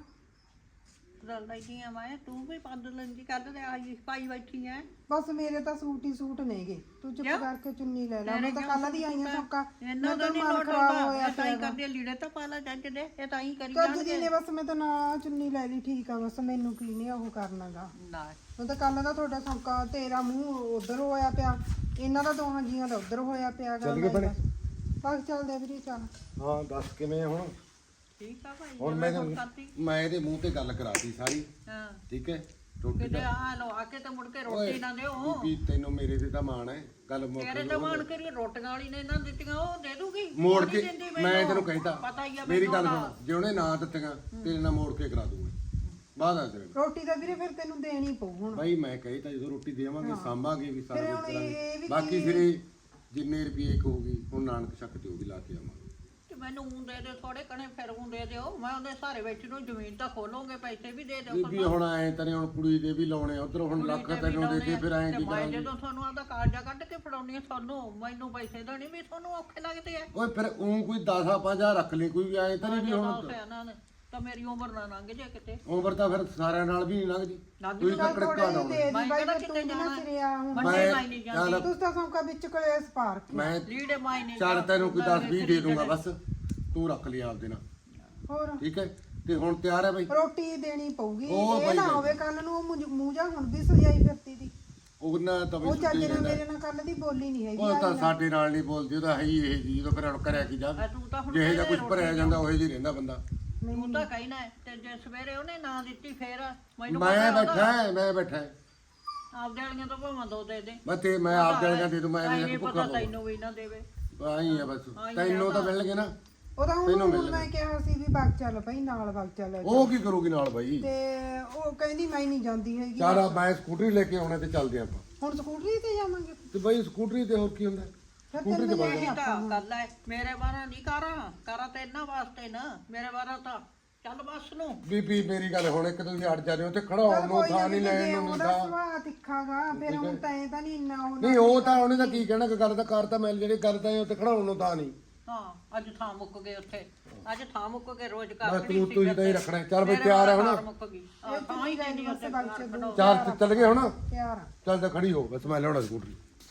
ਬਦਲ ਲੈਂਦੀ ਆ ਮੈਂ, ਤੂੰ ਵੀ ਬਦਲ ਲੈਂਦੀ, ਕੱਢ ਲੈ ਆਈ ਪਾਈ ਬੈਠੀ ਐ। ਬਸ ਮੇਰੇ ਤਾਂ ਸੂਟ ਹੀ ਸੂਟ ਨੇਗੇ, ਤੂੰ ਚੁੱਪ ਕਿਉਂ? ਕਰਕੇ ਚੁੰਨੀ ਲੈ ਲੈ। ਤੇਰੇ ਮੈਂ ਤਾਂ ਕਿਉਂ ਕੱਲ ਦੀ ਆਈ ਆ ਸੌਕਾ, ਇਹਨਾਂ ਦਾ ਤਾਂ ਨਹੀਂ ਮਨ ਲੋਟ ਖਰਾਬ ਆਉਂਦਾ, ਹੋਇਆ ਇਹ ਤਾਂ ਹੀ ਪਿਆ ਕਰਦੇ ਲੀੜੇ ਤਾਂ ਪਾ ਲੈ ਜੱਜ ਦੇ, ਇਹ ਤਾਂ ਹੀ ਕਰੀ ਕੱਜ ਜਾਣਗੇ। ਦੀ ਨੇ ਬਸ ਮੈਂ ਤਾਂ ਨਾ ਚੁੰਨੀ ਲੈ ਲਈ, ਠੀਕ ਆ ਬਸ, ਮੈਨੂੰ ਕੀ ਨਹੀਂ ਉਹ ਕਰਨਾਗਾ। ਨਾ ਉਹ ਤਾਂ ਕੱਲ ਦਾ ਤੁਹਾਡਾ ਸੌਕਾ, ਤੇਰਾ ਮੂੰਹ ਉਧਰ ਹੋਇਆ ਪਿਆ, ਇਹਨਾਂ ਦਾ ਦੋਹਾਂ ਜੀਆਂ ਦਾ ਉਧਰ ਹੋਇਆ ਪਿਆ। ਚੱਲ ਗਏ ਭੈਣੇ? ਬਸ ਚੱਲਦੇ ਆ ਵੀਰੇ, ਚੱਲ। ਹਾਂ ਦੱਸ ਕਿਵੇਂ ਆ ਹੁਣ? ਠੀਕ ਆ ਭਾਈ, ਹੁਣ ਜਿਵੇਂ ਮੈਂ ਹੁਣ ਕਰਤੀ। ਮੈਂ ਇਹਦੇ ਮੂੰਹ ਤੇ ਗੱਲ ਕਰਾਤੀ ਸਾਰੀ, ਹਾਂ ਠੀਕ ਹੈ? ਰੋਟੀ ਕਿਤੇ ਦਾ ਆ ਲੋ ਆ ਕੇ ਤੇ ਮੁੜ ਕੇ ਰੋਟੀ ਨਾ ਦਿਓ। ਵੀ ਤੈਨੂੰ ਮੇਰੇ ਤੇ ਤਾਂ ਮਾਣ ਹੈ, ਗੱਲ ਮੁੱਕ ਤੇਰੇ ਤੇ ਮਾਣ ਕਰੀ, ਰੋਟੀਆਂ ਵਾਲੀ ਨੇ ਇਹਨਾਂ ਦਿੱਤੀਆਂ ਉਹ ਦੇ ਦੂਗੀ। ਮੋੜ ਉਹ ਕੇ ਨਹੀਂ ਦਿੰਦੀ ਮੈਂ ਮੈਨੂੰ। ਤੈਨੂੰ ਕਹਿਤਾ, ਪਤਾ ਹੀ ਆ ਮੇਰੀ ਗੱਲ ਮੈਨੂੰ ਸੁਣ, ਜੇ ਉਹਨੇ ਨਾ ਦਿੱਤੀਆਂ ਤੇਰੇ ਨਾਲ ਮੋੜ ਕੇ ਕਰਾ ਦੂੰਗਾ ਬਾਅਦ ਆ ਤੇਰੇ। ਰੋਟੀ ਤਾਂ ਵੀਰੇ ਫਿਰ ਤੈਨੂੰ ਦੇਣੀ ਪਊ ਹੁਣ। ਭਾਈ ਮੈਂ ਕਹਿਤਾ ਜਦੋਂ ਰੋਟੀ ਦੇਵਾਂਗੇ ਸਾਂਭਾਂਗੇ ਵੀ ਸਾਰਾ ਫਿਰ ਕੁਝ ਹੁਣ ਇਹ- ਇਹ ਕਰਾਂਗੇ, ਵੀ ਬਾਕੀ ਫਿਰ ਇਹ ਜਿੰਨੇ ਰੁਪਏ ਹੋਊਗੀ ਹੁਣ ਨਾਨਕ ਛੱਕ ਤੇ ਉਹ ਵੀ ਲਾ ਕੇ ਆਵਾਂਗੇ। ਤੇ ਮੈਨੂੰ ਊਂ ਦੇ ਦੇ ਥੋੜੇ ਕਣੇ, ਫਿਰ ਊਂ ਦੇ ਦਿਓ, ਮੈਂ ਉਹਦੇ ਸਾਰੇ ਵਿੱਚ ਨੂੰ ਜ਼ਮੀਨ ਤਾਂ ਖੋਲੋਗੇ, ਪੈਸੇ ਵੀ ਦੇ ਦਿਓ। ਵੀ ਹੁਣ ਐ ਤਨੇ ਹੁਣ ਕੁੜੀ ਦੇ ਵੀ ਲਾਉਣੇ ਉਧਰ ਹੁਣ ਲੱਖ ਤੈਨੂੰ ਦੇ ਕੇ ਫਿਰ ਐ ਤੇ ਕੀ ਮੈਂ ਕਰਾਂਗੇ? ਜਦੋਂ ਤੁਹਾਨੂੰ ਆਪਦਾ ਕਾਰਜਾ ਕੱਢ ਕੇ ਫੜਾਉਣੀ ਆ ਤੁਹਾਨੂੰ, ਮੈਨੂੰ ਪੈਸੇ ਦੇਣੇ ਵੀ ਤੁਹਾਨੂੰ ਔਖੇ ਲੱਗਦੇ ਆ। ਓਏ ਫਿਰ ਉਹ ਕੋਈ ਦਸ ਆ ਪੰਜਾਹ ਰੱਖ ਲਈ, ਕੋਈ ਐ ਤਾਂ ਨਹੀਂ ਵੀ ਹੁਣ ਸਿਆਣਾ ਨੇ ਤਾਂ ਮੇਰੀ ਉਮਰ ਨਾ ਲੰਘ ਜੇ ਕਿਤੇ। ਉਮਰ ਤਾਂ ਫਿਰ ਸਾਰਿਆਂ ਨਾਲ ਵੀ ਨਹੀਂ ਲੰਘਦੀ, ਲੰਘ ਤੁਸੀਂ ਤਾਂ ਚੱਲ ਥੋੜੇ ਕੜਕਾ ਜਿਹੇ ਦੋ। ਦੇ ਦੀ ਮੈਂ ਬਾਈ, ਕਿਹੜਾ ਫਿਰ ਤੂੰ ਕਿਤੇ ਵੀ ਨਾ ਜਾਣਾ। ਸਿਰਿਆ ਹੁਣ। ਮੰਡੇ ਮੈਂ ਮਾਈ ਨਹੀਂ ਜਾਂਦੀ, ਚੱਲ ਤੁਸੀਂ ਤਾਂ ਸੌਕਾ ਵਿੱਚ ਕਲੇਸ ਪਾਰਕ। ਮੈਂ ਲੀੜੇ ਮਾਈ ਨਹੀਂ ਚੱਲ ਤੈਨੂੰ ਕੋਈ ਦਸ ਵੀਹ ਦੇ ਦੂੰਗਾ ਬਸ, ਤੂੰ ਰੱਖ ਲਈ ਆਪਦੇ ਨਾਲ, ਹੋਰ ਠੀਕ ਹੈ? ਤੇ ਹੁਣ ਤਿਆਰ ਹੈ ਬਾਈ? ਰੋਟੀ ਦੇਣੀ ਪਊਗੀ, ਉਹ ਇਹ ਬਾਈ ਨਾ ਬਾਈ। ਹੋਵੇ ਕੱਲ ਨੂੰ ਉਹ ਮੁੰਜ- ਮੂੰਹ ਜਾ ਹੁਣ ਵੀ ਸਜਾਈ ਫਿਰਤੀ ਦੀ। ਉਹਨਾਂ ਤਾਂ ਉਹ ਵੀ ਚੱਜ ਸੁੱਤੇ ਨਾਲ ਜਾਂਦਾ, ਮੇਰੇ ਨਾਲ ਕੱਲ ਦੀ ਬੋਲੀ ਨਹੀਂ ਹੈਗੀ। ਉਹ ਤਾਂ ਸਾਡੇ ਨਾਲ ਨਹੀਂ ਬੋਲਦੀ, ਉਹ ਤਾਂ ਹੈ ਹੀ ਇਹ ਜੀ, ਜਦੋਂ ਫਿਰ ਹੁਣ ਕਰਿਆ ਕੀ ਜਾ, ਆ ਤੂੰ ਤਾਂ ਹੁਣ ਜਿਹੇ ਜਿਹਾ ਕੁਝ ਰੋਟੀ ਭਰਿਆ ਜਾਂਦਾ ਉਹ ਜੀ ਰਹਿੰਦਾ ਬੰਦਾ। ਤੂੰ ਤਾਂ ਕਹਿਣਾ ਹੈ, ਤੇ ਜੇ ਸਵੇਰੇ ਉਹਨੇ ਨਾ ਦਿੱਤੀ ਫੇਰ ਮੈਨੂੰ ਮੈਂ ਪਤਾ ਬੈਠਾ ਹੈ, ਮੈਂ ਬੈਠਾ ਹੈ। ਆਪਦੇ ਵਾਲੀਆਂ ਤਾਂ ਭਾਵੇਂ ਦੋ ਦੇ ਦੇ। ਮੈਂ ਤੇ ਮੈਂ ਆਪ ਜਾਣਗਾ ਦੇ ਦੂੰ, ਮੈਂ ਨਹੀਂ ਨਹੀਂ ਪਤਾ ਭੁੱਖਾ ਤੈਨੂੰ ਵੀ ਨਾ ਦੇਵੇ। ਆਈ ਆ ਬਸ, ਤੈਨੂੰ ਤਾਂ ਮਿਲਣਗੇ ਨਾ। ਉਹ ਤਾਂ ਤੈਨੂੰ ਹੁਣ ਮਿਲ ਮੈਂ ਕਿਹਾ ਸੀ ਵੀ ਬਾਗ ਚੱਲ ਪਈ ਨਾਲ, ਬਾਗ ਚੱਲ। ਉਹ ਕੀ ਕਰੂਗੀ ਨਾਲ ਬਾਈ? ਤੇ ਉਹ ਕਹਿੰਦੀ ਮੈਂ ਨਹੀਂ ਜਾਂਦੀ ਹੈਗੀ। ਚੱਲ ਆ ਮੈਂ ਸਕੂਟਰੀ ਲੈ ਕੇ ਆਉਣਾ ਤੇ ਚੱਲਦੇ ਆਪਾਂ। ਹੁਣ ਸਕੂਟਰੀ ਤੇ ਜਾਵਾਂਗੇ। ਤੇ ਬਾਈ ਸਕੂਟਰੀ ਤੇ ਹੋਰ ਕੀ ਹੁੰਦਾ? ਫਿਰ ਸਕੂਟਰੀ ਤੇ ਤੈਨੂੰ ਬਣ ਇਹ ਤਾਂ ਗੱਲ ਹੈ, ਮੇਰੇ ਬਾਰਾ ਨਹੀਂ ਕਰਾਂ ਕਰਾਂ ਤੇ ਇਹਨਾਂ ਵਾਸਤੇ ਨਾ, ਮੇਰੇ ਬਾਰਾ ਤਾਂ ਚੱਲ ਬੱਸ ਨੂੰ। ਬੀਬੀ ਮੇਰੀ ਗੱਲ ਹੁਣ ਇੱਕ ਤੁਸੀਂ ਅੜ ਜਾਂਦੇ ਹੋ ਤੇ ਖੜਾ ਹੋਣ ਨੂੰ ਥਾਂ ਨਹੀਂ ਲੈਣ ਨੂੰ ਨਹੀਂ ਉਹਦਾ ਥਾਂ। ਸੁਭਾਅ ਤਿੱਖਾਗਾ, ਫਿਰ ਹੁਣ ਤਾਂ ਤਾਂ ਨਹੀਂ ਇੰਨਾ ਉਹ। ਨਹੀਂ ਉਹ ਤਾਂ ਉਹਨੇ ਤਾਂ ਕੀ ਕਹਿਣਾ, ਕਿ ਗੱਲ ਤਾਂ ਕਰ ਤਾਂ ਮਿਲ ਜਿਹੜੀ ਗੱਲ ਤਾਂ ਇਹ ਉੱਤੇ ਖੜਾਉਣ ਨੂੰ ਤਾਂ ਨਹੀਂ। ਹਾਂ ਅੱਜ ਥਾਂ ਮੁੱਕ ਗਏ ਉੱਥੇ, ਅੱਜ ਥਾਂ ਮੁੱਕ ਗਏ, ਰੋਜ਼ ਬਸ ਘਰ ਤੂੰ ਤੁਸੀਂ ਤਾਂ ਹੀ ਰੱਖਣਾ। ਚੱਲ ਬਈ ਤਿਆਰ ਹੈ ਹੁਣ? ਮੁੱਕ ਗਈ ਆਹ, ਤਾਂ ਹੀ ਕਹਿੰਦੀ ਉੱਥੇ ਬਾਗ ਚ ਦੂਰ ਚੱਲ ਤੇ ਚੱਲ ਗਏ ਹੁਣ? ਤਿਆਰ ਆ। ਚੱਲ ਤਾਂ ਖੜੀ ਹੋ, ਬਸ ਮੈਂ ਲਿਆਉਣਾ ਸਕੂਟਰੀ।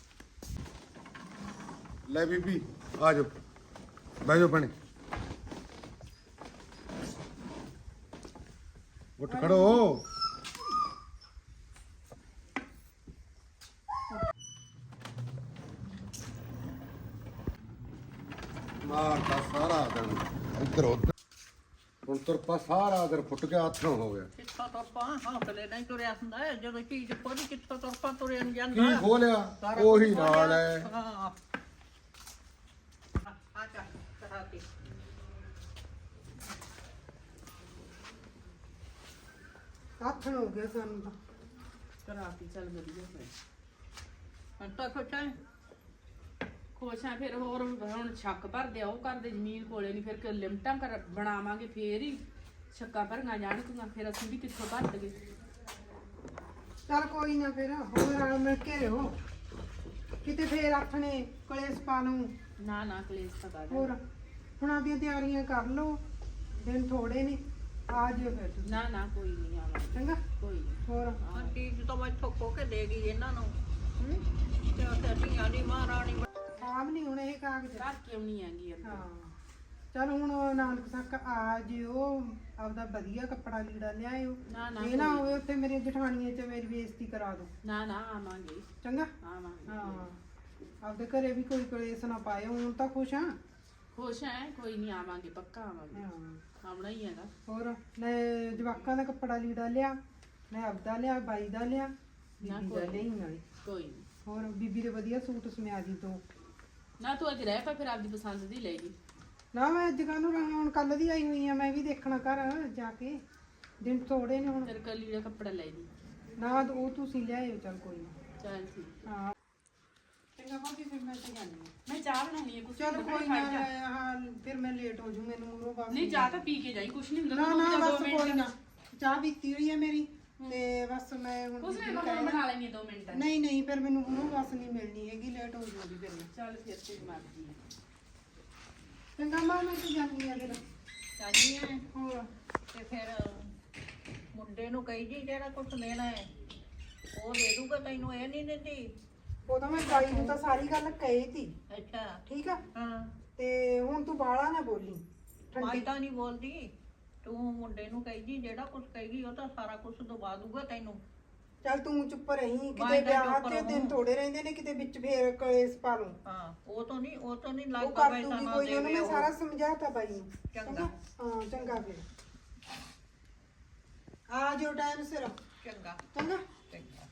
ਲੈ ਬੀਬੀ ਆ ਜਾਓ, ਬਹਿ ਜਾਓ ਭੈਣੇ, ਉੱਠ ਖੜੋ। ਮਾਰਦਾ ਸਾਰਾ ਦਿਨ ਇੱਧਰ ਉੱਧਰ, ਹੁਣ ਤੁਰਪਾ ਸਾਰਾ ਦਿਨ ਫੁੱਟ ਗਿਆ, ਹੱਥੋਂ ਹੋ ਗਿਆ। ਕਿੱਥੋਂ ਤੁਰਪਾਂ ਹੌਸਲੇ ਨਹੀਂ ਤੁਰਿਆ ਹੁੰਦਾ ਹੈ, ਜਦੋਂ ਚੀਜ਼ ਖੋਲੀ ਕਿੱਥੋਂ ਤੁਰਪਾਂ ਤੁਰਿਆ ਨਹੀਂ ਜਾਂਦਾ। ਕੀ ਖੋਲਿਆ? ਸਾਰਾ ਉਹੀ ਕੁਛ ਨਾਲ ਖੋਲਿਆ। ਹੈ। ਹਾਂ ਆ ਚੱਲ ਕਰਾਤੀ। ਹੱਥ ਹੋ ਗਿਆ ਸਾਨੂੰ ਤਾਂ। ਕਰਾਤੀ ਚੱਲ ਵਧੀਆ ਫਿਰ। ਹੁਣ ਤਾਂ ਖੁਸ਼ ਹੈ। ਖੁਸ਼ ਆ ਫਿਰ, ਹੋਰ ਹੁਣ ਸ਼ੱਕ ਭਰਦੇ ਆ ਉਹ ਕਰਦੇ ਜ਼ਮੀਨ ਕੋਲੇ ਨਹੀਂ, ਫਿਰ ਕਿ ਲਿਮਟਾਂ ਕਰ ਬਣਾਵਾਂਗੇ ਫੇਰ ਹੀ ਸ਼ੱਕਾਂ ਭਰੀਆਂ ਜਾਣਗੀਆਂ, ਫਿਰ ਅਸੀਂ ਵੀ ਕਿੱਥੋਂ ਭਰ ਦਗੇ। ਚੱਲ ਕੋਈ ਨਾ, ਫਿਰ ਹੋਰ ਨਾਲ ਮਿਲ ਕੇ ਰਹੋ, ਕਿਤੇ ਫੇਰ ਆਥਣੇ ਕਲੇਸ਼ ਪਾ ਲੂੰ। ਨਾ ਨਾ ਕਲੇਸ਼ ਤਾਂ ਕਰ ਹੋਰ ਹੁਣ ਆਪਦੀਆਂ ਤਿਆਰੀਆਂ ਕਰ ਲਓ, ਦਿਨ ਥੋੜੇ ਨੇ, ਆ ਜਿਓ ਫਿਰ ਤੁਸੀਂ। ਨਾ ਨਾ ਕੋਈ ਨਹੀਂ ਆਵਾਂਗੇ, ਚੰਗਾ, ਕੋਈ ਨਹੀਂ। ਹੋਰ ਹਾਂ ਚੀਜ਼ ਤਾਂ ਮੈਂ ਠੋਕੋ ਕੇ ਦੇ ਗਈ ਇਹਨਾਂ ਨੂੰ। ਹੂੰ ਤੇ ਉੱਥੇ ਧੀਆਂ ਦੀ ਮਹਾਰਾਣੀ ਆਪ ਨਹੀਂ ਹੁਣ ਇਹ ਕਾਗਜ਼। ਘਰ ਕਿਉਂ ਨਹੀਂ ਆਂਗੀ ਅੰਦਰ? ਹਾਂ ਚੱਲ ਹੁਣ ਨਾਨਕ ਸੱਕ ਆ ਜਿਓ, ਆਪਦਾ ਵਧੀਆ ਕੱਪੜਾ ਲੀੜਾ ਲਿਆਇਓ। ਨਾ ਨਾ ਇਹ ਨਾ ਹੋਵੇ ਉੱਥੇ ਮੇਰੀਆਂ ਜਠਾਣੀਆਂ ਚ ਮੇਰੀ ਬੇਇੱਜ਼ਤੀ ਕਰਾ ਦੋ। ਨਾ ਨਾ ਆਵਾਂਗੇ, ਚੰਗਾ, ਆਵਾਂਗੇ। ਹਾਂ ਆਪਦੇ ਘਰੇ ਵੀ ਕੋਈ ਕਲੇਸ਼ ਨਾ ਪਾਇਓ। ਹੁਣ ਤਾਂ ਖੁਸ਼ ਆ। ਖੁਸ਼ ਹੈ, ਕੋਈ ਨਹੀਂ ਆਵਾਂਗੇ, ਪੱਕਾ ਆਵਾਂਗੇ, ਹਾਂ ਆਉਣਾ ਹੀ ਹੈਗਾ। ਹੋਰ ਮੈਂ ਜਵਾਕਾਂ ਦਾ ਕੱਪੜਾ ਲੀੜਾ ਲਿਆ, ਮੈਂ ਆਪਦਾ ਲਿਆ, ਬਾਈ ਦਾ ਲਿਆ, ਨਾ ਬੀਬੀ ਦਾ ਕੋਈ ਲਈ ਨਾਲੇ। ਕੋਈ ਨਹੀਂ। ਹੋਰ ਬੀਬੀ ਦੇ ਵਧੀਆ ਸੂਟ ਸਮਿਆ ਦੀ ਦੋ। ਨਾ ਤੂੰ ਅੱਜ ਰਹਿ ਪਾ, ਫਿਰ ਆਪਦੀ ਪਸੰਦ ਦੀ ਲੈ ਜੀ। ਨਾ ਮੈਂ ਅੱਜ ਕੱਲ੍ਹ ਨੂੰ ਰਹਾ, ਹੁਣ ਕੱਲ ਦੀ ਆਈ ਹੋਈ ਆ, ਮੈਂ ਵੀ ਦੇਖਣਾ ਘਰ ਜਾ ਕੇ, ਦਿਨ ਥੋੜੇ ਨੇ ਹੁਣ। ਤੇਰੇ ਕੱਲੀ ਦਾ ਕੱਪੜਾ ਲੈ ਜੀ। ਨਾ ਉਹ ਤੁਸੀਂ ਲਿਆਇਓ, ਚੱਲ ਕੋਈ ਨਾ। ਚੱਲ ਠੀਕ। ਹਾਂ ਚੰਗਾ ਭਾਬੀ, ਫਿਰ ਮੈਂ ਤੇ ਜਾਂਦੀ ਹਾਂ। ਮੈਂ ਚਾਹ ਬਣਾਉਣੀ ਹੈ ਕੁਛ। ਚੱਲ ਕੋਈ ਨਾ, ਹਾਂ ਫਿਰ ਮੈਂ ਲੇਟ ਹੋ ਜੂ, ਮੈਨੂੰ ਮੂਰੋਂ ਬਾਅਦ। ਨਹੀਂ ਚਾਹ ਤਾਂ ਪੀ ਕੇ ਜਾਈ, ਕੁਛ ਨਹੀਂ ਹੁੰਦਾ। ਨਾ ਤੂੰ ਨਾ ਰੁਕ ਜਾ ਦੋ ਬਸ ਮਿੰਟ। ਕੋਈ ਨਾ, ਚਾਹ ਪੀਤੀ ਹੋਈ ਹੈ ਮੇਰੀ, ਤੇ ਬਸ ਮੈਂ ਹੁਣ ਕੁਛ ਨਹੀਂ ਬੀਬੀ ਮੈਂ ਕਹਿਣਾ- ਬਣਾ ਲੈਣੀ ਦੋ ਮਿੰਟ ਨਹੀਂ ਨਹੀਂ ਫਿਰ ਮੈਨੂੰ ਹੁਣ ਬੱਸ ਨਹੀਂ ਮਿਲਣੀ ਹੈਗੀ, ਲੇਟ ਹੋ ਜਾਊਗੀ ਫਿਰ ਮੈਂ। ਚੱਲ ਫਿਰ ਤੇ ਮਰਜੀ ਚੰਗਾ ਮਾਂ ਮੈਂ ਤੇ ਜਾਂਦੀ ਆ ਫਿਰ। ਚਾਹਨੀ ਹੈ ਹੋਰ ਤੇ ਫਿਰ ਮੁੰਡੇ ਨੂੰ ਕਹੀ ਜੀ ਜਿਹੜਾ ਕੁਛ ਲੈਣਾ ਹੈ ਉਹ ਦੇ ਦੂਗਾ ਤੈਨੂੰ, ਇਹ ਨਹੀਂ ਦਿੰਦੀ। ਉਹ ਤਾਂ ਮੈਂ ਬਾਈ ਨੂੰ ਤਾਂ ਸਾਰੀ ਗੱਲ ਕਹੀ ਤੀ, ਅੱਛਾ ਠੀਕ ਆ। ਹਾਂ ਤੇ ਹੁਣ ਤੂੰ ਬਾਹਲਾ ਨਾ ਬੋਲੀ ਮੈਂ ਠੰਡੀ। ਤਾਂ ਨਹੀਂ ਬੋਲਦੀ, ਤੂੰ ਮੁੰਡੇ ਨੂੰ ਕਹੀ ਜੀ ਜਿਹੜਾ ਕੁਛ ਕਹੇਗੀ ਉਹ ਤਾਂ ਸਾਰਾ ਕੁਛ ਦਵਾ ਦੂਗਾ ਤੈਨੂੰ। ਚੱਲ ਤੂੰ ਚੁੱਪ ਰਹੀ, ਮੈਂ ਕਿਤੇ ਤਾਂ ਵਿਆਹ ਚੁੱਪ ਤੇ ਦਿਨ ਰਹੂੰ। ਥੋੜੇ ਰਹਿੰਦੇ ਨੇ, ਕਿਤੇ ਵਿੱਚ ਫੇਰ ਕਲੇਸ਼ ਪਾ ਲੂੰ। ਹਾਂ ਉਹ ਤਾਂ ਨਹੀਂ ਉਹ ਤਾਂ ਨਹੀਂ ਉਹ ਲੱਗਦਾ ਕਰ ਪੈਸਾ ਦੂਗੀ ਨਾ ਕੋਈ, ਉਹਨੂੰ ਦੇਵੇ ਮੈਂ ਉਹ। ਸਾਰਾ ਸਮਝਾਤਾ ਬਾਈ ਨੂੰ। ਚੰਗਾ। ਹਾਂ ਚੰਗਾ ਫਿਰ ਆ ਜਾਓ ਟਾਈਮ ਸਿਰ। ਚੰਗਾ ਚੰਗਾ ਚੰਗਾ।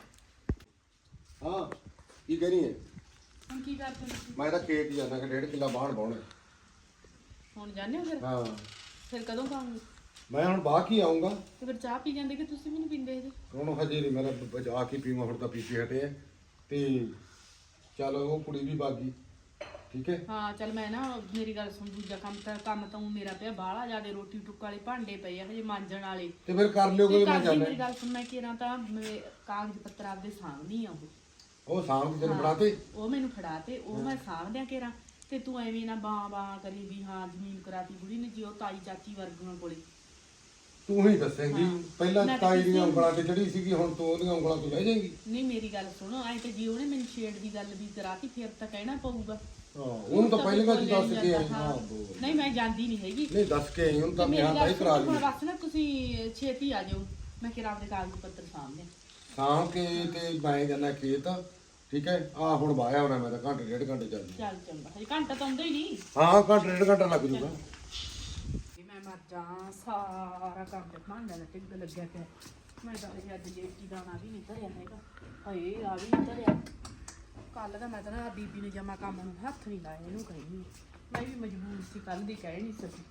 ਹਾਂ ਕੀ ਕਰੀ ਹੈ? ਹੁਣ ਕੀ ਕਰਦੇ ਤੁਸੀਂ? ਮੈਂ ਤਾਂ ਖੇਤ ਜਾਣਾ ਕਿ ਡੇਢ ਕਿੱਲਾ ਬਾਣ ਬਾਉਣਾ। ਹੁਣ ਜਾਂਦੇ ਹੋ ਫਿਰ? ਹਾਂ ਫਿਰ ਕਦੋਂ ਖਾਓਗੇ? ਮੈਂ ਹੁਣ ਬਾਹ ਕੀ ਆਉਂਗਾ। ਤੇ ਫਿਰ ਚਾਹ ਪੀ ਜਾਂਦੇ ਕਿ ਤੁਸੀਂ ਵੀ ਨਹੀਂ ਪੀਂਦੇ ਇਹਦੇ? ਹੁਣ ਹਜੇ ਨਹੀਂ, ਮੇਰਾ ਬਚਾ ਕੇ ਪੀਵਾਂ, ਹੁਣ ਤਾਂ ਪੀ ਕੇ ਹਟੇ ਆ। ਤੇ ਚੱਲ ਉਹ ਕੁੜੀ ਵੀ ਬਾਗੀ, ਠੀਕ ਹੈ। ਹਾਂ ਚੱਲ ਮੈਂ ਨਾ ਮੇਰੀ ਗੱਲ ਸੁਣ, ਦੂਜਾ ਕੰਮ ਤਾਂ ਕੰਮ ਤਾਂ ਊਂ ਮੇਰਾ ਪਿਆ ਬਾਹਲਾ ਜਿਆਦੇ, ਰੋਟੀ ਟੁੱਕ ਵਾਲੇ ਭਾਂਡੇ ਪਏ ਆ ਹਜੇ ਮਾਂਜਣ ਵਾਲੇ। ਤੇ ਫਿਰ ਕਰ ਲਿਓ ਤੇ ਕੋਈ, ਮੈਂ ਕਰਦੀ ਜਾਣਾ। ਮੇਰੀ ਗੱਲ ਸੁਣ, ਮੈਂ ਕਿਹਾ ਤਾਂ ਮੈਂ ਕਾਗਜ਼ ਪੱਤਰ ਆਪਦੇ ਸਾਂਭਦੀ ਆ ਉਹ ਉਹ ਸਾਂਭ ਕੇ ਤੈਨੂੰ ਹਾਂ, ਫੜਾਤੇ। ਉਹ ਮੈਨੂੰ ਫੜਾ ਤੇ ਉਹ ਮੈਂ ਸਾਂਭ ਦਿਆਂ ਕੇਰਾਂ। ਤੇ ਤੂੰ ਐਵੇਂ ਨਾ ਬਾਂ ਬਾਂ ਕਰੀ ਵੀ ਹਾਂ ਜ਼ਮੀਨ ਕਰਾਤੀ ਬੁੜੀ ਨੇ ਜੀ, ਉਹ ਤਾਈ ਚਾਚੀ ਵਰਗੀਆਂ ਕੋਲੇ। ਤੂੰ ਹੀ ਦੱਸੇਂਗੀ। ਹਾਂ। ਪਹਿਲਾਂ ਮੈਂ ਤਾਂ ਤਾਈ ਦੀਆਂ ਕਿਸੇ- ਉਂਗਲਾਂ ਤੇ ਚੜੀ ਸੀਗੀ, ਹੁਣ ਤੂੰ ਉਹਦੀਆਂ ਉਂਗਲਾਂ ਤੋਂ ਲੈ ਜਾਏਂਗੀ। ਨਹੀਂ ਮੇਰੀ ਗੱਲ ਸੁਣੋ, ਐ ਤੇ ਜੀ ਉਹਨੇ ਮੈਨੂੰ ਛੇੜ ਦੀ ਗੱਲ ਵੀ ਕਰਾਤੀ, ਫਿਰ ਤਾਂ ਕਹਿਣਾ ਪਊਗਾ। ਹਾਂ ਉਹਨੂੰ ਤਾਂ ਪਹਿਲਾਂ ਹੀ ਦੱਸ ਕੇ ਆਈ। ਹਾਂ ਬੋਲ। ਨਹੀਂ ਮੈਂ ਜਾਂਦੀ ਨਹੀਂ ਹੈਗੀ। ਨਹੀਂ ਦੱਸ ਕੇ ਆਈ, ਹੁਣ ਤਾਂ ਤੇ ਮੇਰੀ ਮੈਂ ਤਾਂ ਗੱਲ ਹੀ ਕਰਾ ਸੁਣੋ, ਲਈ। ਹੁਣ ਬਸ ਨਾ ਤੁਸੀਂ ਛੇਤੀ ਆ ਜਾਓ, ਮੈਂ ਕਿਹਾ ਆਪਦੇ ਕਾਗਜ਼ ਪੱਤਰ ਸਾਂਭਦੇ। ਸਾਂਭ ਕੇ ਤੇ ਮੈਂ ਜਾਣਾ ਖੇਤ, ਠੀਕ ਹੈ। ਆ ਹੁਣ ਵਾਇਆ ਹੋਣਾ, ਮੈਂ ਤਾਂ ਘੰਟੇ ਡੇਢ ਘੰਟੇ ਚੱਲ ਜੂ। ਚੱਲ ਚੰਗਾ, ਹਜੇ ਘੰਟਾ ਤਾਂ ਆਉਂਦਾ ਹੀ ਨਹੀਂ। ਹਾਂ ਘੰਟੇ ਡੇਢ ਘੰਟਾ ਲੱਗ ਜੂਗਾ। ਵੀ ਮੈਂ ਮਰ ਜਾ, ਸਾਰਾ ਕੰਮ ਤੇ ਭਾਂਡਾ ਦਾ ਟਿੱਗ ਲੱਗਿਆ ਪਿਆ। ਮੈਂ ਤਾਂ ਇਹ ਅੱਜ ਲੇਟੀ ਦਾਣਾ ਵੀ ਨਹੀਂ ਧਰਿਆ ਹੈਗਾ। ਹਾਏ ਆ ਵੀ ਨਹੀਂ ਧਰਿਆ। ਕੱਲ ਦਾ ਮੈਂ ਤਾਂ ਨਾ ਬੀਬੀ ਨੇ ਜਮਾ ਕੰਮ ਨੂੰ ਹੱਥ ਨਹੀਂ ਲਾਇਆ, ਇਹਨੂੰ ਕਹੀ ਮੈਂ ਵੀ ਮਜਬੂਰ ਸੀ, ਕੱਲ ਦੀ ਕਹਿ ਨਹੀਂ ਸਕੀ।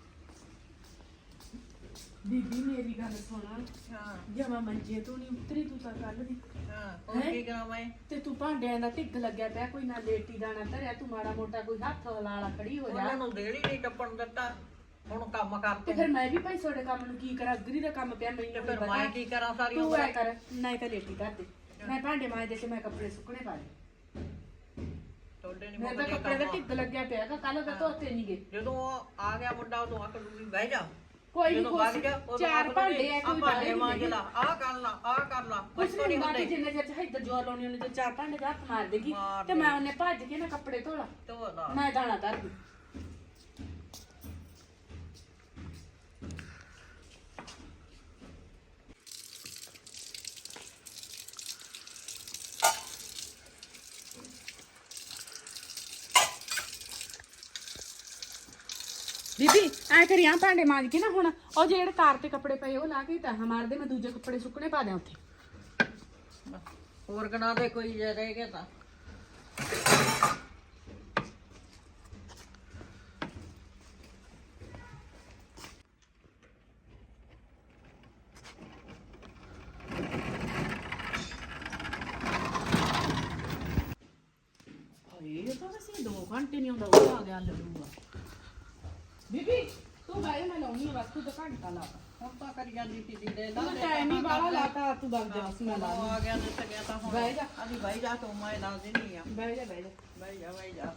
ਬੀਬੀ ਮੇਰੀ ਗੱਲ ਸੁਣਾ, ਹਾਂ ਜਮਾ ਮੰਜੇ ਤੋਂ ਨਹੀਂ ਉਤਰੀ ਤੂੰ ਤਾਂ ਕੱਲ ਦੀ। ਹਾਂ ਉਹ ਹੈਂ? ਕੀ ਕਰਾਂ ਮੈਂ? ਤੇ ਤੂੰ ਭਾਂਡਿਆਂ ਦਾ ਢਿੱਗ ਲੱਗਿਆ ਪਿਆ, ਕੋਈ ਨਾ ਲੇਟੀ ਦਾਣਾ ਧਰਿਆ, ਤੂੰ ਮਾੜਾ ਮੋਟਾ ਕੋਈ ਹੱਥ ਹਲਾਲਾ ਖੜੀ ਹੋ ਜਾ। ਉਹਨਾਂ ਨੂੰ ਦੇੜੀ ਨਹੀਂ ਟੱਪਣ ਦਿੱਤਾ, ਹੁਣ ਕੰਮ ਤੇ ਕਰਦੇ। ਫਿਰ ਮੈਂ ਵੀ ਭਾਈ ਤੁਹਾਡੇ ਕੰਮ ਨੂੰ ਕੀ ਕਰਾਂ, ਅਗਰੀ ਦਾ ਕੰਮ ਪਿਆ ਮੈਨੂੰ ਤੇ ਨਹੀਂ ਫਿਰ ਪਤਾ। ਮੈਂ ਕੀ ਕਰਾਂ ਸਾਰੀ ਤੂੰ ਉਮਰ? ਐ ਕਰ, ਨਹੀਂ ਤਾਂ ਲੇਟੀ ਧਰ ਦੇ, ਮੈਂ ਭਾਂਡੇ ਮਾਂਜਦੇ ਤੇ ਮੈਂ ਕੱਪੜੇ ਸੁੱਕਣੇ ਪਾ ਲਏ। ਤੁਹਾਡੇ ਨਹੀਂ ਮੇਰੇ ਤਾਂ ਮੁੱਕਦੇ ਕੱਪੜੇ ਦਾ ਕੰਮ। ਢਿੱਗ ਲੱਗਿਆ ਪਿਆ, ਕੱਲ ਦਾ ਧੋਤੇ ਨਹੀਂ ਗਏ। ਜਦੋਂ ਉਹ ਆ ਗਿਆ ਮੁੰਡਾ ਉਦੋਂ ਆਖ ਦੂਗੀ ਬਹਿ ਜਾ। ਕੋਈ ਨਹੀਂ, ਜਦੋਂ ਵਗ ਜਾ ਉਦੋਂ ਚਾਰ ਆਖ ਭਾਂਡੇ ਦੂਗੀ, ਆ, ਆਹ ਕੋਈ ਭਾਂਡੇ ਬਾਹਰ ਮਾਂਜ ਨਹੀਂ ਲਾ, ਆਹ ਕਰ ਲਾ, ਆਹ ਕਰ ਲਾ। ਕੁਛ ਬਸ ਨਹੀਂ ਨਹੀਂ ਬਾਕੀ ਹੁੰਦੇ। ਜਿੰਨੇ ਚਿਰ ਇੱਧਰ ਜੋਰ ਲਾਉਣੀ ਉਹਨੇ ਤੇ ਚਾਰ ਭਾਂਡੇ ਦਾ ਹੱਥ ਮਾਰ ਦੇਗੀ ਮਾਰ ਤੇ ਮੈਂ ਉਹਨੇ ਭੱਜ ਕੇ ਨਾ ਕੱਪੜੇ ਧੋਲਾ, ਧੋ ਲਾ। ਮੈਂ ਦਾਣਾ ਧਰ ਦੂੰ। ਬੀਬੀ ਐ ਕਰੀ ਆ, ਭਾਂਡੇ ਮਾਂਜ ਕੇ ਨਾ ਹੁਣ ਉਹ ਜਿਹੜੇ ਕਾਰ ਤੇ ਕੱਪੜੇ ਪਏ ਉਹ ਲਾ ਕੇ ਤਾਂ ਮਾਰਦੇ, ਮੈਂ ਦੂਜੇ ਕੱਪੜੇ ਸੁੱਕਣੇ ਪਾ ਦਿਆਂ ਉੱਥੇ। ਹੋਰ ਗਣਾ ਦੇ ਕੋਈ ਜੇ ਰਹਿ ਗਿਆ ਤਾਂ। ਹਾਏ ਇਹ ਤਾਂ ਵੈਸੇ ਦੋ ਘੰਟੇ ਨਹੀਂ ਆਉਂਦਾ, ਉਹ ਆ ਗਿਆ ਲੱਡੂਆ। ਬੀਬੀ ਤੂੰ ਬਾਈ ਮੈਂ ਲਾਉਣੀ ਆ, ਬਸ ਤੂੰ ਤਾਂ ਘੰਟਾ ਲਾ ਤਾ। ਹੁਣ ਤਾਂ ਕਰੀ ਜਾਂਦੀ ਸੀ ਦੀਦੇ ਦਾ। ਤੂੰ ਟਾਈਮ ਹੀ ਬਾਹਲਾ ਲਾਤਾ, ਤੂੰ ਵਗ ਜਾ, ਬਸ ਮੈਂ ਲਾ ਉਹ ਲੂੰ। ਆ ਗਿਆ ਦਿੱਤ ਗਿਆ ਤਾਂ ਹੁਣ ਬਹਿ ਜਾ। ਅਜੀ ਬਹਿ ਜਾ ਤੂੰ, ਮੈਂ ਲਾ ਦੇਣੀ ਆ। ਬਹਿ ਜਾ ਬਹਿ ਜਾ ਬਹਿ ਜਾ ਬਹਿ ਜਾ।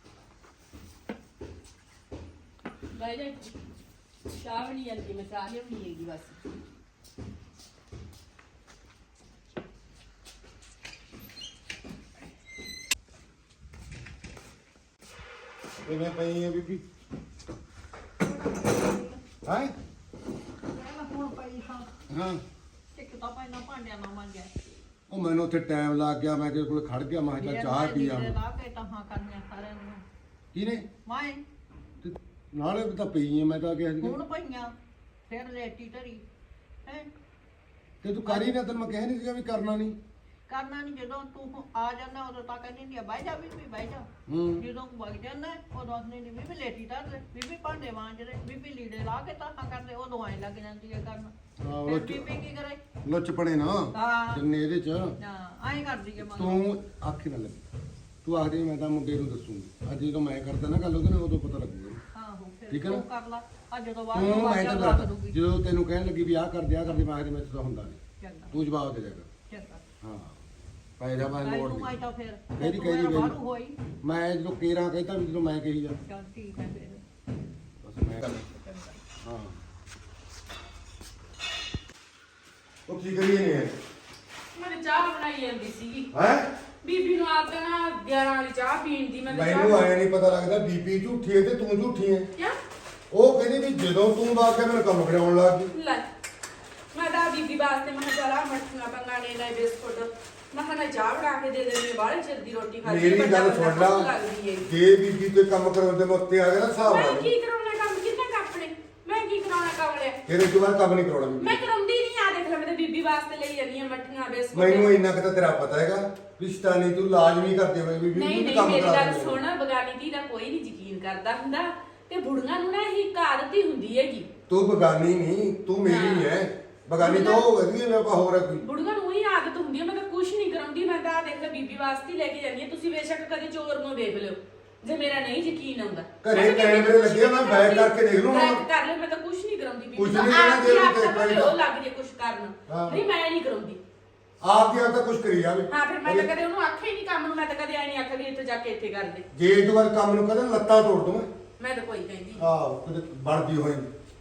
ਬਹਿ ਜਾ ਇੱਥੇ। ਚਾਹ ਵੀ ਨਹੀਂ ਜਾਂਦੀ, ਮੈਂ ਚਾਹ ਲਿਆਉਣੀ ਹੈਗੀ ਬਸ। ਕਿਵੇਂ ਪਈ ਹੈ ਬੀਬੀ? ਹਾਂ ਮੈਂ ਹੁਣ ਪਈ ਹਾਂ। ਹਾਂ ਇੱਕ ਤਾਂ ਪਹਿਲਾਂ ਭਾਂਡਿਆਂ ਨਾਲ ਮਾਂਜਿਆ। ਉਹ ਮੈਨੂੰ ਉੱਥੇ ਟਾਈਮ ਲੱਗ ਗਿਆ, ਮੈਂ ਕਿਹਾ ਕੋਲ ਖੜ ਗਿਆ, ਮੈਂ ਕਿਹਾ ਚਾਹ ਪੀ ਆ। ਲਾ ਕੇ ਤਹਾਂ ਕਰਨੀਆਂ ਸਾਰਿਆਂ ਨੂੰ। ਕਿਹਨੇ? ਮੈਂ ਤੇ ਨਾਲੇ ਵੀ ਤਾਂ ਪਈ ਹੈ, ਮੈਂ ਤਾਂ ਕਿਹਾ ਸੀ ਹੁਣ ਪਈਆਂ ਫਿਰ ਲੇਟੀ ਧਰੀ ਹੈ। ਤੇ ਤੂੰ ਕਰੀ ਨਾ, ਤੈਨੂੰ ਮੈਂ ਕਹਿ ਨਹੀਂ ਸੀਗਾ ਵੀ ਕਰਨਾ ਨਹੀਂ। ਕਰਨਾ ਨਹੀਂ, ਜਦੋਂ ਤੂੰ ਆ ਜਾਂਦਾ ਉਦੋਂ ਤਾਂ ਕਹਿੰਦੀ ਨਹੀਂ ਬਹਿ ਜਾ ਬੀਬੀ ਬਹਿ ਜਾ। ਹੂੰ ਜਦੋਂ ਵਗ ਜਾਂਦਾ ਉਦੋਂ ਆਖਦੀ ਨਹੀਂ ਬੀਬੀ ਲੇਟੀ ਧਰ ਦੇ, ਬੀਬੀ ਭਾਂਡੇ ਮਾਂਜਦੇ, ਬੀਬੀ ਲੀੜੇ ਲਾ ਕੇ ਤਹਾਂ ਕਰਦੇ, ਉਦੋਂ ਐਂ ਲੱਗ ਜਾਂਦੀ ਹੈ ਕਰਨ। ਆਹ ਫਿਰ ਲੁੱਚ ਬੀਬੀ ਕੀ ਕਰੇ? ਲੁੱਚ ਪੜੇ ਨਾ ਹਾਂ ਜਿੰਨੇ ਇਹਦੇ ਚ। ਹਾਂ ਐਂ ਕਰਦੀ ਹੈ ਮਗਰ। ਤੂੰ ਆਖੀ ਨਾ ਲੱਗੀ, ਤੂੰ ਆਖਦੀ ਮੈਂ ਤਾਂ ਮੁੰਡੇ ਨੂੰ ਦੱਸੂਗੀ। ਅੱਜ ਜਦੋਂ ਮੈਂ ਕਰਦਾ ਨਾ ਗੱਲ ਉਹਦੇ ਨਾਲ, ਉਦੋਂ ਪਤਾ ਲੱਗੂਗਾ। ਆਹੋ ਫਿਰ ਠੀਕ ਹੈ ਤੂੰ ਨਾ? ਕਰ ਲਾ, ਅੱਜ ਜਦੋਂ ਬਾਅਦ ਤੂੰ ਨੂੰ ਮੈਂ ਵਗ ਤਾਂ ਜਾ ਰੱਖ ਦੱਸ, ਦੂਗੀ। ਜਦੋਂ ਤੈਨੂੰ ਕਹਿਣ ਲੱਗੀ ਵੀ ਆਹ ਕਰ ਦੇ ਆਹ ਕਰ ਦੇ, ਮੈਂ ਕਿਹਾ ਮੇਰੇ ਤੋਂ ਹੁੰਦਾ ਨਹੀਂ। ਚੰਗਾ ਤੂੰ ਜਵਾਬ ਦੇ ਦੇਗਾ ਚੰਗਾ ਹਾਂ ਪੈ ਜਾ ਮੈਂ ਕੱਲ ਮੋੜ ਨੂੰ ਆਈ ਦੇ ਤਾਂ ਫਿਰ ਕਹਿਦੀ ਤੂੰ ਕਹਿਦੀ ਮੇਰਾ ਬਾਹਰੋਂ ਹੋਈ ਮੈਂ ਜਦੋਂ ਕੇਰਾਂ ਕਹਿੰਦਾ ਵੀ ਜਦੋਂ ਮੈਂ ਕਹੀ ਜਾ ਚੱਲ ਠੀਕ ਹੈ ਫਿਰ ਬਸ ਮੈਂ ਕਰ ਚੰਗਾ ਹਾਂ ਉਹ ਕੀ ਕਰੀਏ ਨੇ ਮੈਂ ਚਾਹ ਬਣਾਈ ਜਾਂਦੀ ਸੀਗੀ ਹੈ ਬੀਬੀ ਨੂੰ ਆਦਤ ਹੈ ਨਾ ਗਿਆਰਾਂ ਵਾਲੀ ਚਾਹ ਪੀਣ ਦੀ। ਮੈਂ ਤਾਂ ਮੈਨੂੰ ਚਾਹ ਆਇਆ ਨਹੀਂ ਪਤਾ ਲੱਗਦਾ ਬੀਬੀ ਝੂਠੀ ਹੈ ਤੇ ਤੂੰ ਝੂਠੀ ਹੈ ਕਿਆ ਉਹ ਕਹਿੰਦੀ ਵੀ ਜਦੋਂ ਤੂੰ ਬਾਅਦ ਕੇ ਮੈਨੂੰ ਕੰਮ ਕਰਾਉਣ ਲੱਗ ਗਈ ਲੈ ਮੈਂ ਤਾਂ ਬੀਬੀ ਵਾਸਤੇ ਮੈਂ ਕਿਹਾ ਚਲਾ ਮੱਠੀਆਂ ਪੰਗਾਣੇ ਲੈ ਬਿਸਕੁਟ ਮੈਂ ਕਿਹਾ ਨਾ ਚਾਹ ਬਣਾ ਕੇ ਦੇ ਦੇ ਬਾਹਲੇ ਚਿਰ ਦੀ ਰੋਟੀ ਖਾਦੀ ਮੇਰੀ ਗੱਲ ਸੁਣ ਲਾ ਜੇ ਬੀਬੀ ਕੋਈ ਕੰਮ ਕਰਾਉਂਦੇ ਮੈਂ ਉੱਤੇ ਆ ਗਿਆ ਨਾ ਹਿਸਾਬ ਮੈਂ ਨਾਲ ਕੀ ਕਰਾਉਣਾ ਕੰਮ ਕਿੰਨਾ ਕੱਪੜੇ ਮੈਂ ਕੀ ਕਰਾਉਣਾ ਕੰਮ ਲਿਆ ਤੇਰੇ ਤੋਂ ਬਾਅਦ ਕੰਮ ਨਹੀਂ ਕਰਾਉਣਾ ਬੀਬੀ ਮੈਂ ਕਰਾਉਂਦੀ ਨਹੀਂ ਆ ਦੇਖ ਲੈ ਮੈਂ ਤਾਂ ਬੀਬੀ ਵਾਸਤੇ ਲਈ ਜਾਂਦੀ ਆ ਮੱਠੀਆਂ ਬਿਸਕੁਟ ਮੈਨੂੰ ਇੰਨਾ ਕੁ ਤਾਂ ਤੇਰਾ ਪਤਾ ਹੈਗਾ ਰਿਸ਼ਤਾ ਨਹੀਂ ਤੂੰ ਲਾਜ਼ਮੀ ਕਰਦੇ ਹੋਏ ਬੀਬੀ ਨਹੀਂ ਨੂੰ ਨਹੀਂ ਕੰਮ ਮੇਰੀ ਕਰਾ ਗੱਲ ਦਿੰਦੇ ਹੋ। ਸੁਣ ਬਗਾਨੀ ਧੀ ਦਾ ਕੋਈ ਨਹੀਂ ਯਕੀਨ ਕਰਦਾ ਹੁੰਦਾ ਤੇ ਬੁੜੀਆਂ ਨੂੰ ਨਾ ਇਹ ਆਦਤ ਹੀ ਹੁੰਦੀ ਹੈਗੀ ਤੂੰ ਬਗਾਨੀ ਨਹੀਂ ਤੂੰ ਮੇਰੀ ਹੈ ਬਗਾਨੀ ਤਾਂ ਉਹ ਵਧੀਆ ਮੈਂ ਆਪਾਂ ਹੋਰ ਹੈ ਕੋਈ ਬੁੜੀਆਂ ਨੂੰ ਹੀ ਆਦਤ ਹੁੰਦੀ ਹੈ ਮੈਂ ਤਾਂ ਕੁਝ ਨਹੀਂ ਕਰਾਉਂਦੀ ਮੈਂ ਤਾਂ ਆਹ ਦੇਖ ਲੈ ਬੀਬੀ ਵਾਸਤੇ ਹੀ ਲੈ ਕੇ ਜਾਂਦੀ ਹਾਂ ਤੁਸੀਂ ਬੇਸ਼ੱਕ ਕਦੇ ਚੋਰ ਨੂੰ ਵੇਖ ਲਿਓ ਜੇ ਮੇਰਾ ਨਹੀਂ ਯਕੀਨ ਆਉਂਦਾ ਘਰੇ ਕੈਮਰੇ ਲੱਗੇ ਆ, ਮੈਂ ਬੈਕ ਕਰਕੇ ਦੇਖ ਲੂੰ। ਬੈਕ ਕਰ ਲੈ ਮੈਂ ਤਾਂ ਕੁਝ ਨਹੀਂ ਕਰਾਉਂਦੀ ਬੀਬੀ ਕੁਛ ਤਾਂ ਨਹੀਂ ਕਰਨਾ, ਆਪ ਜੇ ਹੀ ਉਹ ਆਪ ਤਾਂ ਤੇ ਭਾਵੇਂ ਉਹ ਲੱਗ ਜੇ ਕੁਝ ਕਰਨ ਹਾਂ। ਨਹੀਂ ਮੈਂ ਨਹੀਂ ਕਰਾਉਂਦੀ ਆਪ ਦੀ ਆਪ ਤਾਂ ਕੁਝ ਕਰੀ ਜਾਵੇ ਹਾਂ ਫਿਰ ਮੈਂ ਤਾਂ ਕਦੇ ਉਹਨੂੰ ਆਖਿਆ ਹੀ ਨਹੀਂ ਕੰਮ ਨੂੰ ਮੈਂ ਤਾਂ ਕਦੇ ਆਈ ਨਹੀਂ ਆਖਿਆ ਵੀ ਇੱਥੇ ਜਾ ਕੇ ਇੱਥੇ ਕਰ ਦੇ ਜੇ ਇਹ ਤੋਂ ਬਾਅਦ ਕੰਮ ਨੂੰ ਕਦੇ ਲੱਤਾਂ ਤੋੜ ਦੂੰ ਮੈਂ ਮੈਂ ਤਾਂ ਕੋਈ ਕਹਿੰਦੀ ਨੀ। ਆਹ ਕਿਤੇ ਬਣਦੀ ਹੋਈ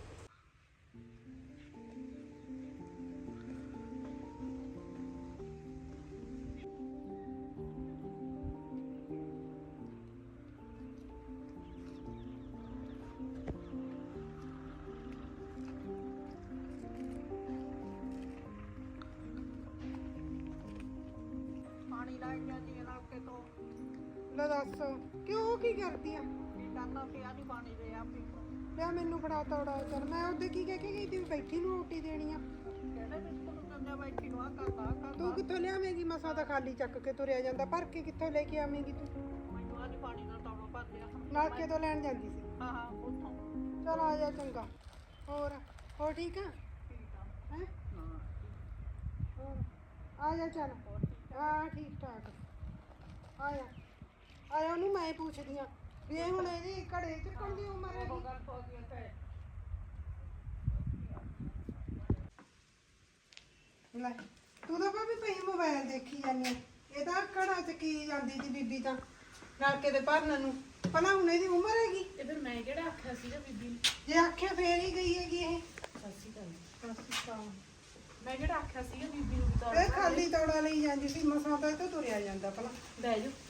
ਪਾਣੀ ਲਾਈ ਜਾਂਦੀ ਹੈ ਨਲਕੇ ਤੋਂ ਲੈ ਦੱਸ ਕਿਉਂ ਕੀ ਕਰਦੀ ਆ ਕੀ ਕਰਨਾ ਪਿਆ ਨਹੀਂ ਪਾਣੀ ਦੇ ਆਪੀ ਲੈ ਮੈਨੂੰ ਫੜਾ ਤੋੜਾ ਚੱਲ ਮੈਂ ਉਹਦੇ ਕੀ ਕਹਿ ਕੇ ਗਈ ਤੀ ਵੀ ਬੈਠੀ ਨੂੰ ਰੋਟੀ ਦੇਣੀ ਆ ਕਹਿੰਦੇ ਬਿਸਕੁਟ ਕੰਨਿਆ ਬੈਠੀ ਨੂੰ ਆ ਕਰਦਾ ਆ ਕਰਦਾ ਤੂੰ ਕਿੱਥੋਂ ਲਿਆਵੇਂਗੀ ਮਸਾ ਤਾਂ ਖਾਲੀ ਚੱਕ ਕੇ ਤੁਰਿਆ ਜਾਂਦਾ ਭਰ ਕੇ ਕਿੱਥੋਂ ਲੈ ਕੇ ਆਵੇਂਗੀ ਤੂੰ ਮੈਨੂੰ ਆ ਨਹੀਂ ਪਾਣੀ ਨਾਲ ਤੌੜਾ ਭਰ ਲਿਆ ਨਲਕੇ ਤੋਂ ਲੈਣ ਜਾਂਦੀ ਸੀ ਹਾਂ ਹਾਂ ਉੱਥੋਂ ਚਲ ਆ ਜਾ ਚੰਗਾ ਹੋਰ ਹੋਰ ਠੀਕ ਆ ਠੀਕ ਆ ਹੈ ਹਾਂ ਹੋਰ ਆ ਜਾ ਚੱਲ ਹਾਂ ਠੀਕ ਠਾਕ ਆ ਜਾ ਆ ਜਾ ਉਹਨੂੰ ਮੈਂ ਪੁੱਛਦੀ ਆ ਵੀ ਇਹ ਹੁਣ ਇਹਦੀ ਘੜੇ ਚੱਕਣ ਦੀ ਉਮਰ ਹੈ ਉਹ ਗੱਲ ਹੋ ਗਈ ਤੇ ਲੈ ਤੂੰ ਤਾਂ ਭਾਵੇਂ ਪਈ ਮੋਬਾਈਲ ਦੇਖੀ ਜਾਂਦੀ ਆ। ਇਹ ਤਾਂ ਘੜਾ ਚ ਕੀ ਜਾਂਦੀ ਸੀ ਬੀਬੀ ਤਾਂ ਨਲਕੇ ਦੇ ਭਰਨ ਨੂੰ ਭਲਾ ਹੁਣ ਇਹਦੀ ਉਮਰ ਹੈਗੀ ਤੇ ਫਿਰ ਮੈਂ ਕਿਹੜਾ ਆਖਿਆ ਸੀਗਾ ਬੀਬੀ ਨੂੰ ਜੇ ਆਖਿਆ ਫੇਰ ਹੀ ਗਈ ਹੈਗੀ ਇਹ ਸੱਸੀ ਗੱਲ ਅੱਛਾ ਮੈਂ ਕਿਹੜਾ ਆਖਿਆ ਸੀਗਾ ਬੀਬੀ ਨੂੰ ਵੀ ਤੌਰ ਇਹ ਖਾਲੀ ਤੌੜਾ ਲਈ ਜਾਂਦੀ ਸੀ ਮਸਾਂ ਤਾਂ ਇਹ ਤੋਂ ਤੁਰਿਆ ਜਾਂਦਾ ਭਲਾ ਬਹਿ ਜਾ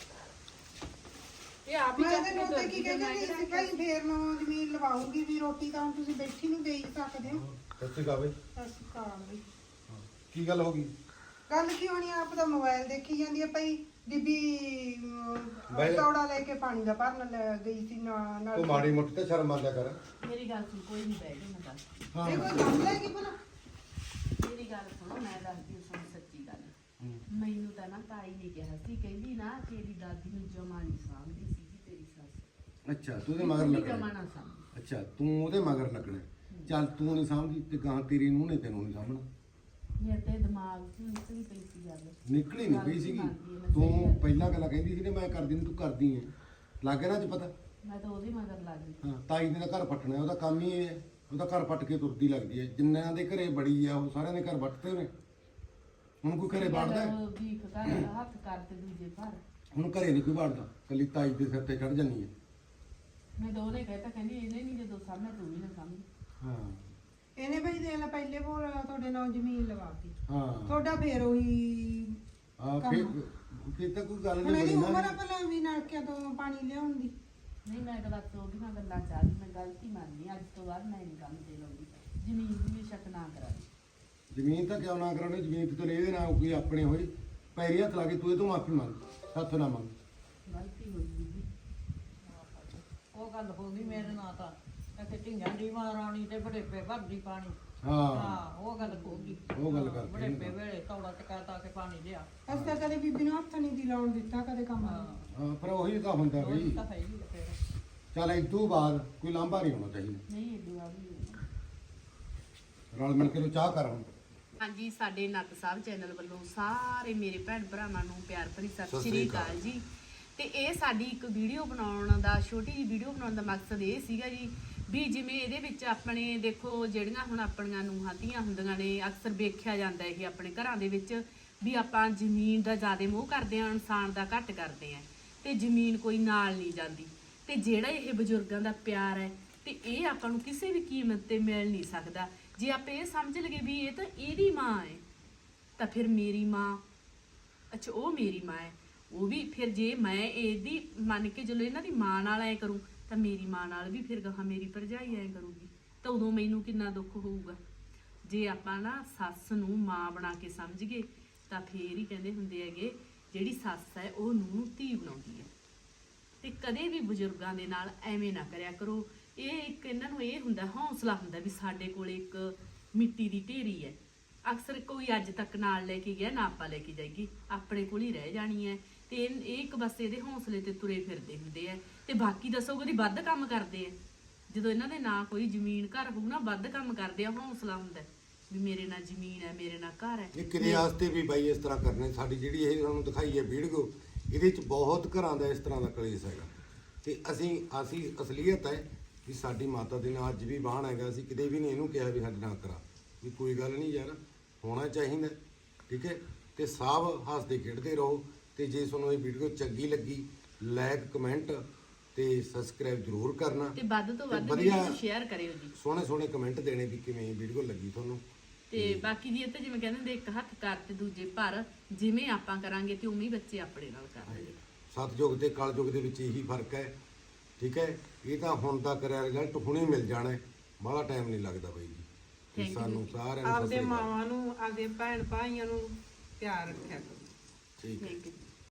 ਇਹ ਆਪ ਹੀ ਮੈਂ ਚੱਕ ਤੇ ਕੇ ਨੋਤੇ ਤੁਰ ਕੀ ਗਈ ਤੇ ਮੈਂ ਕਹਿੰਦੀ ਸੀ ਕਿਹੜਾ ਭਾਈ ਫੇਰ ਮੈਂ ਜ਼ਮੀਨ ਲਵਾਉਂਗੀ ਵੀ ਰੋਟੀ ਤਾਂ ਹੁਣ ਤੁਸੀਂ ਬੈਠੀ ਨੂੰ ਦੇ ਹੀ ਸਕਦੇ ਹੋ ਸੱਚੀ ਗਾ ਬਈ ਸਤਿ ਕਾਲ ਬਈ ਕੀ ਗੱਲ ਹੋ ਗਈ ਗੱਲ ਕੀ ਹੋਣੀ ਆ, ਆਪ ਦਾ ਮੋਬਾਈਲ ਦੇਖੀ ਜਾਂਦੀ ਹੈ ਭਾਈ ਬੀਬੀ ਬਾਈ- ਤੌੜਾ ਲੈ ਕੇ ਪਾਣੀ ਦਾ ਭਰਨ ਲੈ ਗਈ ਸੀ ਨਾ- ਨਾਲ ਤੂੰ ਮਾੜੀ ਮੋਟੀ ਤਾਂ ਸ਼ਰਮ ਮੰਨ ਲਿਆ ਕਰ ਮੇਰੀ ਗੱਲ ਸੁਣ ਕੋਈ ਨਹੀਂ ਬਹਿ ਜਾ ਮੈਂ ਦੱਸ ਹਾਂ ਇਹ ਕੋਈ ਕੰਮ ਲੈ ਗਈ ਭਲਾ ਮੇਰੀ ਗੱਲ ਸੁਣੋ ਮੈਂ ਦੱਸਦੀ ਹਾਂ ਤੁਹਾਨੂੰ ਸੱਚੀ ਗੱਲ ਮੈਨੂੰ ਤਾਂ ਨਾ ਤਾਈ ਨੇ ਕਿਹਾ ਸੀ ਕਹਿੰਦੀ ਨਾ ਤੇਰੀ ਦਾਦੀ ਨੂੰ ਜਮਾ ਨਹੀਂ ਸਾਂਭਦੀ ਸੀਗੀ ਤੇਰੀ ਸੱਸ ਅੱਛਾ ਤੂੰ ਉਹਦੇ ਮਗਰ ਜਮਾ ਲੱਗਣਾ ਨਾ ਸਾਂਭਦੀ ਅੱਛਾ ਤੂੰ ਉਹਦੇ ਮਗਰ ਲੱਗਣਾ ਚੱਲ ਤੂੰ ਨਹੀਂ ਸਮਝਦੀ ਤੇ ਗਾਂ ਤੇਰੀ ਨੂੰ ਨੇ ਤੈਨੂੰ ਨਹੀਂ ਸਾਂਭਣਾ ਮੇਰੇ ਤੇ ਦਿਮਾਗ 'ਚ ਨਿਕਲੀ ਪਈ ਸੀ ਗੱਲ ਨਿਕਲੀ ਨਹੀਂ ਪਈ ਸੀਗੀ ਤੂੰ ਪਹਿਲਾਂ ਗੱਲਾਂ ਕਹਿੰਦੀ ਸੀ ਨੇ ਮੈਂ ਕਰਦੀ ਨਹੀਂ ਤੂੰ ਕਰਦੀ ਹੈ ਲੱਗ ਨਾ ਚ ਪਤਾ ਮੈਂ ਤਾਂ ਉਹਦੇ ਮਗਰ ਲੱਗ ਗਈ ਹਾਂ ਤਾਈ ਨੇ ਤਾਂ ਘਰ ਪੱਟਣਾ ਉਹਦਾ ਕੰਮ ਹੀ ਇਹ ਹੈ ਉਹਦਾ ਘਰ ਪੱਟ ਕੇ ਤੁਰਦੀ ਲੱਗਦੀ ਹੈ ਜਿੰਨਿਆਂ ਦੇ ਘਰੇ ਬੜੀ ਆ ਉਹ ਸਾਰਿਆਂ ਦੇ ਘਰ ਵੱਟਦੇ ਨੇ ਹੁਣ ਕੋਈ ਘਰੇ ਵੜਦਾ ਹੈ? ਵੀਖ ਕਰ ਹੱਥ ਕਰ ਤੇ ਦੂਜੇ ਪਰ ਹੁਣ ਘਰੇ ਨਹੀਂ ਕੋਈ ਵੜਦਾ ਕੱਲੀ ਤਾਈ ਦੇ ਸਿਰ ਤੇ ਚੜ ਜਾਂਦੀ ਹੈ ਮੈਂ ਤਾਂ ਉਹਨੇ ਕਹਿਤਾ ਕਹਿੰਦੀ ਇਹਨੇ ਨਹੀਂ ਜਦੋਂ ਸਾਹਮਣੇ ਤੂੰ ਵੀ ਨਾ ਸਾਹਮਣੇ ਹਾਂ ਇਹਨੇ ਭਾਈ ਦੇ ਲੈ ਪਹਿਲੇ ਬੋਲ ਤੁਹਾਡੇ ਨਾਲ ਜ਼ਮੀਨ ਲਵਾਤੀ ਹਾਂ ਤੁਹਾਡਾ ਫੇਰ ਉਹੀ ਆ ਫਿਰ ਫਿਰ ਤਾਂ ਕੋਈ ਗੱਲ ਹੁਣ ਨਹੀਂ ਇਹਦੀ ਬਣੀ ਉਮਰ ਨਾ ਆ ਭਲਾ ਵੀ ਨਲਕਿਆਂ ਤੋਂ ਪਾਣੀ ਲਿਆਉਣ ਦੀ ਨਹੀਂ ਮੈਂ ਤਾਂ ਬਸ ਉਹਦੀ ਨਾਲ ਗੱਲਾਂ ਚਾਹਦੀ ਮੈਂ ਗਲਤੀ ਮੰਨਦੀ ਅੱਜ ਤੋਂ ਬਾਅਦ ਮੈਂ ਨਹੀਂ ਕੰਮ ਤੇ ਲਾਉਂਦੀ ਜ਼ਮੀਨ ਦੀ ਵੀ ਸ਼ੱਕ ਨਾ ਕਰਾਂ ਜ਼ਮੀਨ ਤਾਂ ਕਿਉਂ ਨਾ ਕਰਾਉਣੀ ਜ਼ਮੀਨ ਤੇ ਲੈ ਇਹਦੇ ਨਾਲ ਕੋਈ ਆਪਣੇ ਹੋਈ ਪੈਰੀ ਹੱਥ ਲਾ ਕੇ ਤੂੰ ਇਹ ਤੋਂ ਮਾਫੀ ਮੰਗ ਸਾਥੋਂ ਨਾ ਮੰਗ ਗਲਤੀ ਹੋਈ ਬੀਬੀ ਉਹ ਗੱਲ ਹੋ ਗਈ ਮੇਰੇ ਨਾਲ ਤਾਂ ਕਿ ਢਿੰਗਾਂ ਦੀ ਮਹਾਰਾਣੀ ਤੇ ਬੜੇਪੇ ਭਰਦੀ ਪਾਣੀ ਹਾਂ ਹਾਂ ਉਹ ਗੱਲ ਹੋ ਗਈ ਉਹ ਗੱਲ ਕਰਕੇ ਬੜੇਪੇ ਵੇਲੇ ਤੌੜਾ ਟਕਾਤਾ ਕੇ ਪਾਣੀ ਲਿਆ ਅਸੀਂ ਤਾਂ ਕਦੇ ਬੀਬੀ ਨੂੰ ਹੱਥ ਨਹੀਂ ਦੀ ਲਾਉਣ ਦਿੱਤਾ ਕਦੇ ਕੰਮ ਹਾਂ ਹਾਂ ਪਰ ਉਹੀ ਤਾਂ ਹੁੰਦਾ ਉਹ ਬਈ ਤਾਂ ਹੈ ਹੀ ਆ ਫਿਰ ਚੱਲ ਇਸ ਤੋਂ ਬਾਅਦ ਕੋਈ ਲਾਂਭਾ ਨਹੀਂ ਹੋਣਾ ਚਾਹੀਦਾ ਨਹੀਂ ਇਹ ਦੁਆ ਵੀ ਰਲ ਮਿਲ ਕੇ ਤੂੰ ਚਾਹ ਕਰ ਹੁਣ ਹਾਂਜੀ ਸਾਡੇ ਨੱਤ ਸਾਹਿਬ ਚੈਨਲ ਵੱਲੋਂ ਸਾਰੇ ਮੇਰੇ ਭੈਣ ਭਰਾਵਾਂ ਨੂੰ ਪਿਆਰ ਭਰੀ ਸਤਿ ਸਤਿ ਸ਼੍ਰੀ ਸ਼੍ਰੀ ਅਕਾਲ ਜੀ ਤੇ ਇਹ ਸਾਡੀ ਇੱਕ ਵੀਡੀਓ ਬਣਾਉਣ ਦਾ ਛੋਟੀ ਜਿਹੀ ਵੀਡੀਓ ਬਣਾਉਣ ਦਾ ਮਕਸਦ ਇਹ ਸੀਗਾ ਜੀ ਵੀ ਜਿਵੇਂ ਇਹਦੇ ਵਿੱਚ ਆਪਣੇ ਦੇਖੋ ਜਿਹੜੀਆਂ ਹੁਣ ਆਪਣੀਆਂ ਨੂੰਹਾਂ ਧੀਆਂ ਹੁੰਦੀਆਂ ਨੇ ਅਕਸਰ ਵੇਖਿਆ ਜਾਂਦਾ ਇਹ ਆਪਣੇ ਘਰਾਂ ਦੇ ਵਿੱਚ ਵੀ ਆਪਾਂ ਜ਼ਮੀਨ ਦਾ ਜ਼ਿਆਦਾ ਮੋਹ ਕਰਦੇ ਆ ਇਨਸਾਨ ਦਾ ਘੱਟ ਕਰਦੇ ਆ ਤੇ ਜ਼ਮੀਨ ਕੋਈ ਨਾਲ ਨਹੀਂ ਜਾਂਦੀ ਤੇ ਜਿਹੜਾ ਇਹ ਬਜ਼ੁਰਗਾਂ ਦਾ ਪਿਆਰ ਹੈ ਤੇ ਇਹ ਆਪਾਂ ਨੂੰ ਕਿਸੇ ਵੀ ਕੀਮਤ ਤੇ ਮਿਲ ਨਹੀਂ ਸਕਦਾ। ਜੇ ਆਪਾਂ ਇਹ ਸਮਝ ਲਈਏ ਵੀ ਇਹ ਤਾਂ ਇਹਦੀ ਮਾਂ ਹੈ ਤਾਂ ਫਿਰ ਮੇਰੀ ਮਾਂ ਅੱਛਾ ਉਹ ਮੇਰੀ ਮਾਂ ਹੈ ਉਹ ਵੀ ਫਿਰ ਜੇ ਮੈਂ ਇਹਦੀ ਮੰਨ ਕੇ ਚਲੋ ਇਹਨਾਂ ਦੀ ਮਾਂ ਨਾਲ ਐ ਕਰੂੰ ਤਾਂ ਮੇਰੀ ਮਾਂ ਨਾਲ ਵੀ ਫਿਰ ਗਾਹਾਂ ਮੇਰੀ ਭਰਜਾਈ ਐ ਕਰੂਗੀ ਤਾਂ ਉਦੋਂ ਮੈਨੂੰ ਕਿੰਨਾ ਦੁੱਖ ਹੋਊਗਾ। ਜੇ ਆਪਾਂ ਨਾ ਸੱਸ ਨੂੰ ਮਾਂ ਬਣਾ ਕੇ ਸਮਝ ਗਏ ਤਾਂ ਫੇਰ ਹੀ ਕਹਿੰਦੇ ਹੁੰਦੇ ਹੈਗੇ ਜਿਹੜੀ ਸੱਸ ਹੈ ਉਹ ਨੂੰਹ ਨੂੰ ਧੀ ਬਣਾਉਂਦੀ ਹੈ। ਤੇ ਕਦੇ ਵੀ ਬਜ਼ੁਰਗਾਂ ਦੇ ਨਾਲ ਐਵੇਂ ਨਾ ਕਰਿਆ ਕਰੋ। ਇਹ ਇੱਕ ਇਹਨਾਂ ਨੂੰ ਇਹ ਹੁੰਦਾ ਹੌਸਲਾ ਹੁੰਦਾ ਵੀ ਸਾਡੇ ਕੋਲ ਇੱਕ ਮਿੱਟੀ ਦੀ ਢੇਰੀ ਹੈ। ਅਕਸਰ ਕੋਈ ਅੱਜ ਤੱਕ ਨਾਲ ਲੈ ਕੇ ਗਿਆ ਨਾ ਆਪਾਂ ਲੈ ਕੇ ਜਾਈਏ ਆਪਣੇ ਕੋਲ ਹੀ ਰਹਿ ਜਾਣੀ ਹੈ ਤੇ ਇਹ ਇਹ ਇੱਕ ਬਸ ਇਹਦੇ ਹੌਸਲੇ ਤੇ ਤੁਰੇ ਫਿਰਦੇ ਹੁੰਦੇ ਆ ਤੇ ਬਾਕੀ ਦੱਸੋ ਕਦੀ ਵੱਧ ਕੰਮ ਕਰਦੇ ਆ ਜਦੋਂ ਇਹਨਾਂ ਦੇ ਨਾਂ ਕੋਈ ਜ਼ਮੀਨ ਘਰ ਹੋਊ ਨਾ ਵੱਧ ਕੰਮ ਕਰਦੇ ਆ ਹੌਸਲਾ ਹੁੰਦਾ ਵੀ ਮੇਰੇ ਨਾਲ ਜ਼ਮੀਨ ਹੈ ਮੇਰੇ ਨਾਲ ਘਰ ਹੈ। ਇਹ ਕਿਤੇ ਵਾਸਤੇ ਵੀ ਬਾਈ ਇਸ ਤਰ੍ਹਾਂ ਕਰਨੇ ਸਾਡੀ ਜਿਹੜੀ ਇਹ ਤੁਹਾਨੂੰ ਦਿਖਾਈ ਹੈ ਵੀਡੀਓ ਇਹਦੇ ਚ ਬਹੁਤ ਘਰਾਂ ਦਾ ਇਸ ਤਰ੍ਹਾਂ ਦਾ ਕਲੇਸ਼ ਹੈਗਾ ਤੇ ਅਸੀਂ ਅਸੀਂ ਅਸਲੀਅਤ ਹੈ ਵੀ ਸਾਡੀ ਮਾਤਾ ਦੇ ਨਾਲ ਅੱਜ ਵੀ ਬਾਣ ਹੈਗਾ ਅਸੀਂ ਕਿਤੇ ਵੀ ਨਹੀਂ ਇਹਨੂੰ ਕਿਹਾ ਵੀ ਸਾਡੇ ਨਾਲ ਕਰਾ ਵੀ ਕੋਈ ਗੱਲ ਨਹੀਂ ਯਾਰ ਹੋਣਾ ਚਾਹੀਦਾ ਠੀਕ ਹੈ ਤੇ ਸਭ ਹੱਸਦੇ ਖੇਡਦੇ ਰਹੋ ਤੇ ਜੇ ਤੁਹਾਨੂੰ ਇਹ ਵੀਡੀਓ ਚੰਗੀ ਲੱਗੀ ਲਾਈਕ ਕਮੈਂਟ ਤੇ ਸਬਸਕ੍ਰਾਈਬ ਜ਼ਰੂਰ ਕਰਨਾ ਤੇ ਵੱਧ ਤੋਂ ਵੱਧ ਵਧੀਆ ਵੀਡੀਓ ਸ਼ੇਅਰ ਕਰਿਓ ਜੀ ਸੋਹਣੇ ਸੋਹਣੇ ਕਮੈਂਟ ਦੇਣੇ ਵੀ ਕਿਵੇਂ ਇਹ ਵੀਡੀਓ ਲੱਗੀ ਤੁਹਾਨੂੰ ਤੇ ਬਾਕੀ ਜੀ ਇਹ ਤਾਂ ਜਿਵੇਂ ਕਹਿੰਦੇ ਹੁੰਦੇ ਇੱਕ ਹੱਥ ਕਰ ਤੇ ਦੂਜੇ ਭਰ ਜਿਵੇਂ ਆਪਾਂ ਕਰਾਂਗੇ ਤੇ ਉਵੇਂ ਹੀ ਬੱਚੇ ਆਪਣੇ ਨਾਲ ਕਰਨਗੇ। ਸਤਯੁਗ ਤੇ ਕਲਯੁਗ ਦੇ ਵਿੱਚ ਇਹੀ ਫਰਕ ਹੈ ਠੀਕ ਹੈ ਇਹ ਤਾਂ ਹੁਣ ਦਾ ਕਰਿਆ ਰਿਜ਼ਲਟ ਹੁਣੇ ਮਿਲ ਜਾਣਾ ਹੈ ਬਾਹਲਾ ਟਾਈਮ ਨਹੀਂ ਲੱਗਦਾ ਬਾਈ ਜੀ ਤੇ Thank you ਸਾਨੂੰ ਸਾਰਿਆਂ ਨੂੰ ਆਪਦੇ ਸਤਿ ਸ੍ਰੀ ਅਕਾਲ। ਮਾਵਾਂ ਨੂੰ ਆਪਦੇ ਭੈਣ ਭਾਈਆਂ ਨੂੰ ਪਿਆਰ ਰੱਖਿਆ ਕਰੋ। ਠੀਕ ਹੈ Thank you.